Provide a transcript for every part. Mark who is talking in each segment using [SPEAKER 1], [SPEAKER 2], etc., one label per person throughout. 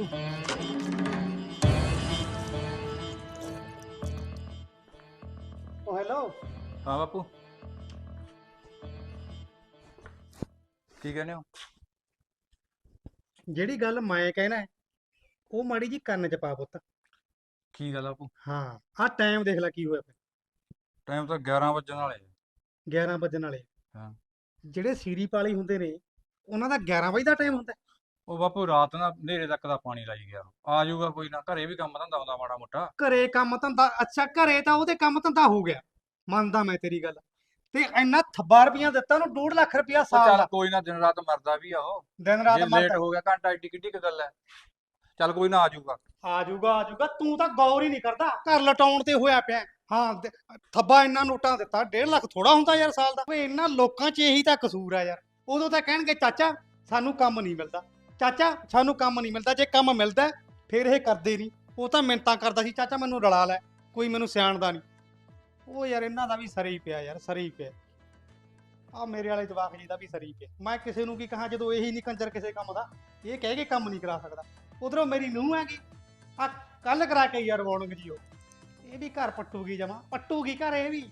[SPEAKER 1] ਉਹ ਹੈਲੋ।
[SPEAKER 2] ਹਾਂ ਬਾਪੂ ਕੀ ਕਹਿੰਦੇ ਹੋ?
[SPEAKER 1] ਜਿਹੜੀ ਗੱਲ ਮੈਂ ਕਹਿਣਾ ਉਹ ਮਾੜੀ ਜੀ ਕੰਨ ਚ ਪਾ ਪੁੱਤ।
[SPEAKER 2] ਕੀ ਗੱਲ ਆ ਬਾਪੂ?
[SPEAKER 1] ਹਾਂ, ਆਹ ਟਾਈਮ ਦੇਖ ਲੈ ਕੀ ਹੋਇਆ ਪਿਆ।
[SPEAKER 2] ਟਾਈਮ ਤਾਂ 11 ਵੱਜਣ ਵਾਲੇ
[SPEAKER 1] 11 ਵੱਜਣ ਵਾਲੇ।
[SPEAKER 2] ਹਾਂ।
[SPEAKER 1] ਜਿਹੜੇ ਸੀਰੀ ਪਾਲੀ ਹੁੰਦੇ ਨੇ ਉਹਨਾਂ ਦਾ 11 ਵਜੇ ਦਾ ਟਾਈਮ ਹੁੰਦਾ।
[SPEAKER 2] ਉਹ ਬਾਪੂ ਰਾਤ ਨਾ ਹਨੇਰੇ ਤੱਕ ਦਾ ਪਾਣੀ ਲਾਈ ਗਿਆ। ਆ ਜਾਊਗਾ ਕੋਈ ਨਾ, ਘਰੇ ਵੀ ਕੰਮ ਧੰਦਾ ਆਉਂਦਾ ਮਾੜਾ ਮੋਟਾ।
[SPEAKER 1] ਘਰੇ ਕੰਮ ਧੰਦਾ? ਅੱਛਾ, ਘਰੇ ਤਾਂ ਉਹਦੇ ਕੰਮ ਧੰਦਾ ਹੋ ਗਿਆ, ਮੰਨਦਾ ਮੈਂ ਤੇਰੀ ਗੱਲ। ਤੇ ਇੰਨਾ ਥੱਬਾ ਰੁਪਈਆ ਦਿੱਤਾ ਉਹਨੂੰ, 2.5 ਲੱਖ ਰੁਪਈਆ
[SPEAKER 2] ਉਹ
[SPEAKER 1] ਸਾਲ
[SPEAKER 2] ਚੱਲ
[SPEAKER 1] ਦਾ।
[SPEAKER 2] ਕੋਈ ਨਾ, ਦਿਨ ਰਾਤ ਮਰਦਾ ਵੀ ਆ ਉਹ।
[SPEAKER 1] ਦਿਨ ਰਾਤ
[SPEAKER 2] ਜੇ ਲੇਟ
[SPEAKER 1] ਮਰਦਾ।
[SPEAKER 2] ਹੋ ਗਿਆ ਘੰਟਾ ਏਡੀ ਕਿੱਡੀ ਕੁ ਗੱਲ ਹੈ। ਚੱਲ ਕੋਈ ਨਾ, ਆ ਜਾਊਗਾ।
[SPEAKER 1] ਆ ਜਾਊਗਾ ਆ ਜਾਊਗਾ, ਤੂੰ ਤਾਂ ਗੌਰ ਹੀ ਨਹੀਂ ਕਰਦਾ, ਘਰ ਲਟਾਉਣ ਤੇ ਹੋਇਆ ਪਿਆ। ਹਾਂ, ਥੱਬਾ ਇੰਨਾ ਨੋਟਾਂ ਦਿੱਤਾ, 1.5 ਲੱਖ ਥੋੜਾ ਹੁੰਦਾ ਯਾਰ ਸਾਲ ਦਾ। ਓਏ ਇਹਨਾਂ ਲੋਕਾਂ 'ਚ ਇਹੀ ਤਾਂ ਕਸੂਰ ਆ ਯਾਰ। ਉਦੋਂ ਤਾਂ ਕਹਿਣਗੇ ਚਾਚਾ ਸਾਨੂੰ ਕੰਮ ਨਹੀਂ ਮਿਲਦਾ, ਚਾਚਾ ਸਾਨੂੰ ਕੰਮ ਨਹੀਂ ਮਿਲਦਾ। ਜੇ ਕੰਮ ਮਿਲਦਾ ਫਿਰ ਇਹ ਕਰਦੇ ਨਹੀਂ। ਉਹ ਤਾਂ ਮਿੰਨਤਾਂ ਕਰਦਾ ਸੀ, ਚਾਚਾ ਮੈਨੂੰ ਰਲਾ ਲੈ, ਕੋਈ ਮੈਨੂੰ ਸਿਆਣਦਾ ਨਹੀਂ। ਉਹ ਯਾਰ ਇਹਨਾਂ ਦਾ ਵੀ ਸਰੀ ਹੀ ਪਿਆ ਯਾਰ, ਸਰੀ ਹੀ ਪਿਆ। ਆ ਮੇਰੇ ਵਾਲੇ ਜਵਾਕ ਜੀ ਦਾ ਵੀ ਸਰੀ ਪਿਆ। ਮੈਂ ਕਿਸੇ ਨੂੰ ਕੀ ਕਹਾਂ ਜਦੋਂ ਇਹੀ ਨਹੀਂ ਕੰਜਰ ਕਿਸੇ ਕੰਮ ਦਾ, ਇਹ ਕਹਿ ਕੇ ਕੰਮ ਨਹੀਂ ਕਰਾ ਸਕਦਾ। ਉਧਰੋਂ ਮੇਰੀ ਨੂੰਹ ਹੈਗੀ, ਆ ਕੱਲ ਕਰਾ ਕੇ ਯਾਰ ਵਾਰਨਿੰਗ ਜੀ ਇਹ ਵੀ ਘਰ ਪੱਟੂਗੀ, ਜਮਾ ਪੱਟੂਗੀ ਘਰ ਇਹ ਵੀ।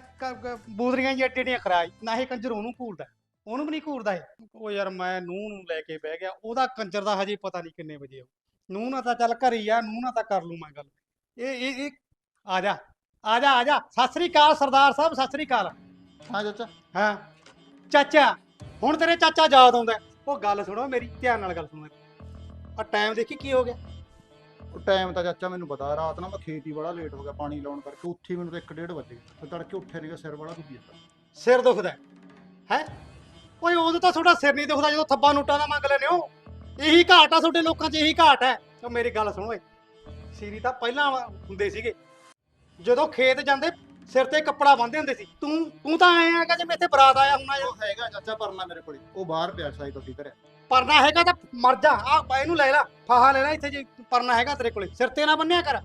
[SPEAKER 1] ਬੂਦਰੀਆਂ ਜੀ ਏਡੀਆਂ ਖਰਾਈ ਨਾ, ਇਹ ਕੰਜਰ ਉਹਨੂੰ ਘੂਰਦਾ, ਉਹਨੂੰ ਵੀ ਨਹੀਂ ਘੂਰਦਾ ਇਹ। ਉਹ ਯਾਰ ਮੈਂ ਨੂੰਹ ਨੂੰ ਲੈ ਕੇ ਬਹਿ ਗਿਆ, ਉਹਦਾ ਕੰਜਰ ਦਾ ਹਜੇ ਪਤਾ ਨਹੀਂ ਕਿੰਨੇ ਵਜੇ ਆਉ। ਨੂੰਹ ਨਾਲ ਤਾਂ ਚੱਲ ਘਰ ਹੀ ਆ, ਨੂੰਹ ਨਾਲ ਤਾਂ ਕਰ ਲੂ ਮੈਂ ਗੱਲ। ਇਹ ਆ ਜਾ ਆ ਜਾ ਆ ਜਾ। ਸਤਿ ਸ੍ਰੀ ਅਕਾਲ ਸਰਦਾਰ ਸਾਹਿਬ, ਸਤਿ ਸ੍ਰੀ ਅਕਾਲ।
[SPEAKER 3] ਹਾਂ ਚਾਚਾ।
[SPEAKER 1] ਹਾਂ ਚਾਚਾ, ਹੁਣ ਤੇਰੇ ਚਾਚਾ ਯਾਦ ਆਉਂਦਾ। ਉਹ ਗੱਲ ਸੁਣੋ ਮੇਰੀ, ਧਿਆਨ ਨਾਲ ਗੱਲ ਸੁਣੋ। ਆ ਟਾਈਮ ਦੇਖੀ ਕੀ ਹੋ ਗਿਆ।
[SPEAKER 3] ਉਹ ਟਾਈਮ ਤਾਂ ਚਾਚਾ ਮੈਨੂੰ ਪਤਾ, ਰਾਤ ਨਾ ਮੈਂ ਖੇਤ ਹੀ ਬੜਾ ਲੇਟ ਹੋ ਗਿਆ ਪਾਣੀ ਲਾਉਣ ਕਰਕੇ। ਉੱਥੇ ਮੈਨੂੰ ਤਾਂ 1:30 ਵਜੇ ਫਿਰ ਤੜਕੇ ਉੱਠਿਆ ਨਹੀਂਗਾ, ਸਿਰ ਬੜਾ ਦੁਖੀ ਜਾਂਦਾ।
[SPEAKER 1] ਸਿਰ ਦੁਖਦਾ ਹੈ? ਓਏ ਉਦੋਂ ਤਾਂ ਤੁਹਾਡਾ ਸਿਰ ਨਹੀਂ ਦੁਖਦਾ ਜਦੋਂ ਥੱਬਾ ਨੋਟਾਂ ਦਾ ਮੰਗ ਲੈਨੇ ਹੋ। ਇਹੀ ਘਾਟ ਆ ਤੁਹਾਡੇ ਲੋਕਾਂ 'ਚ, ਇਹੀ ਘਾਟ ਹੈ। ਉਹ ਮੇਰੀ ਗੱਲ ਸੁਣੋ ਓਏ, ਸੀਰੀ ਤਾਂ ਪਹਿਲਾਂ ਹੁੰਦੇ ਸੀਗੇ, ਜਦੋਂ ਖੇਤ ਜਾਂਦੇ ਸਿਰ ਤੇ ਕੱਪੜਾ ਬੰਨ੍ਹਦੇ ਹੁੰਦੇ ਸੀ। ਤੂੰ ਤਾਂ ਆਏ ਹੈਗਾ ਜਿਵੇਂ ਇੱਥੇ ਬਰਾਤ ਆਇਆ ਹੁਣਾ।
[SPEAKER 3] ਉਹ ਹੈਗਾ ਚਾਚਾ ਪਰਨਾ ਮੇਰੇ ਕੋਲੇ, ਉਹ ਬਾਹਰ ਪਿਆ ਸਾਈਕਲ ਦੀ ਘਰੇ।
[SPEAKER 1] ਪਰਨਾ ਹੈਗਾ ਤਾਂ ਮਰ ਜਾ, ਆ ਇਹਨੂੰ ਲੈ ਲੈ, ਫਾਹਾ ਲੈ ਲੈ ਇੱਥੇ। ਜੇ ਪਰਨਾ ਹੈਗਾ ਤੇਰੇ ਕੋਲੇ, ਸਿਰ ਤੇ ਨਾ ਬੰਨਿਆ ਕਰ।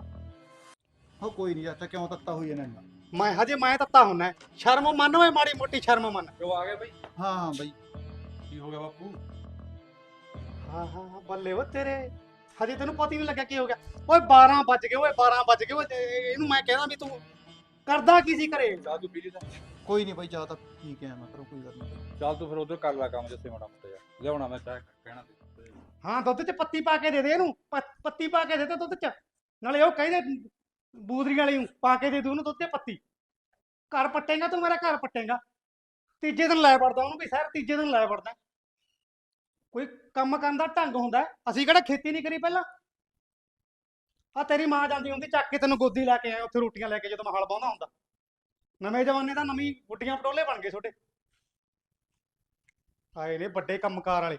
[SPEAKER 3] ਉਹ ਕੋਈ ਨਹੀਂ ਚਾਚਾ, ਕਿਉਂ ਤੱਤਾ ਹੋਈ ਜਾਂਦਾ।
[SPEAKER 1] ਮੈਂ ਤੱਤਾ ਹੁੰਨਾ। ਸ਼ਰਮ ਮੰਨ ਓਏ, ਮਾੜੀ ਮੋਟੀ ਸ਼ਰਮ ਮੰਨ।
[SPEAKER 2] ਜੋ ਆ ਗਿਆ ਬਈ।
[SPEAKER 3] ਹਾਂ ਹਾਂ ਬਈ।
[SPEAKER 2] ਕੀ ਹੋ ਗਿਆ ਬਾਪੂ?
[SPEAKER 1] ਹਾਂ ਹਾਂ ਬੱਲੇ ਓ ਤੇਰੇ, ਹਜੇ ਤੈਨੂੰ ਪਤਾ ਹੀ ਨਹੀਂ ਲੱਗਿਆ ਕੀ ਹੋ ਗਿਆ। ਓਏ 12 ਵੱਜ ਗਏ, ਓਏ 12 ਵੱਜ ਗਏ। ਓਏ ਇਹਨੂੰ ਮੈਂ ਕਹਿਣਾ ਵੀ ਤੂੰ ਕਰਦਾ ਕੀ ਸੀ ਘਰੇ?
[SPEAKER 2] ਚਾਹ ਤੂੰ ਪੀ ਲਈ ਤਾਂ?
[SPEAKER 3] ਕੋਈ ਨਹੀਂ ਬਈ, ਚਾਹ ਤਾਂ ਪੀ ਕੇ ਆਇਆ ਮੈਂ ਘਰੋਂ, ਕੋਈ ਗੱਲ ਨਹੀਂ।
[SPEAKER 2] ਚੱਲ ਤੂੰ ਫਿਰ ਉਧਰ ਕਰ ਲੈ ਕੰਮ ਜਿੱਥੇ ਮਾੜਾ ਮੋਟਾ ਜਾ ਲਿਆਉਣਾ। ਮੈਂ ਚਾਹ ਕਹਿਣਾ ਤੇ
[SPEAKER 1] ਹਾਂ, ਦੁੱਧ 'ਚ ਪੱਤੀ ਪਾ ਕੇ ਦੇ ਦੇ ਇਹਨੂੰ, ਪੱਤੀ ਪਾ ਕੇ ਦੇ ਦੇ ਦੁੱਧ 'ਚ। ਨਾਲੇ ਉਹ ਕਹਿੰਦੇ ਬੂਦਰੀ ਵਾਲੀ ਨੂੰ ਪਾ ਕੇ ਦੇ ਦੂ ਉਹਨੂੰ ਦੁੱਧ 'ਚ ਪੱਤੀ। ਘਰ ਪੱਟੇਗਾ ਤੂੰ, ਮੇਰਾ ਘਰ ਪੱਟੇਗਾ। ਤੀਜੇ ਦਿਨ ਲੈ ਵੜਦਾ ਉਹਨੂੰ ਵੀ ਸ਼ਹਿਰ, ਤੀਜੇ ਦਿਨ ਲੈ ਵੜਦਾ। ਕੋਈ ਕੰਮ ਕਰਨ ਦਾ ਢੰਗ ਹੁੰਦਾ। ਅਸੀਂ ਕਿਹੜਾ ਖੇਤੀ ਨਹੀਂ ਕਰੀ ਪਹਿਲਾਂ? ਆ ਤੇਰੀ ਮਾਂ ਜਾਂਦੀ ਹੁੰਦੀ ਚੱਕ ਕੇ ਤੈਨੂੰ ਗੋਦੀ ਲੈ ਕੇ ਆਏ ਉੱਥੇ ਰੋਟੀਆਂ ਲੈ ਕੇ, ਜਦੋਂ ਮੈਂ ਹਲ ਬਾਉਂਦਾ ਹੁੰਦਾ। ਨਵੇਂ ਜ਼ਮਾਨੇ ਦਾ ਨਵੀਂ ਗੁੱਡੀਆਂ ਪਟੋਲੇ ਬਣ ਗਏ ਛੋਟੇ। ਆਏ ਨੇ ਵੱਡੇ ਕੰਮਕਾਰ ਵਾਲੇ।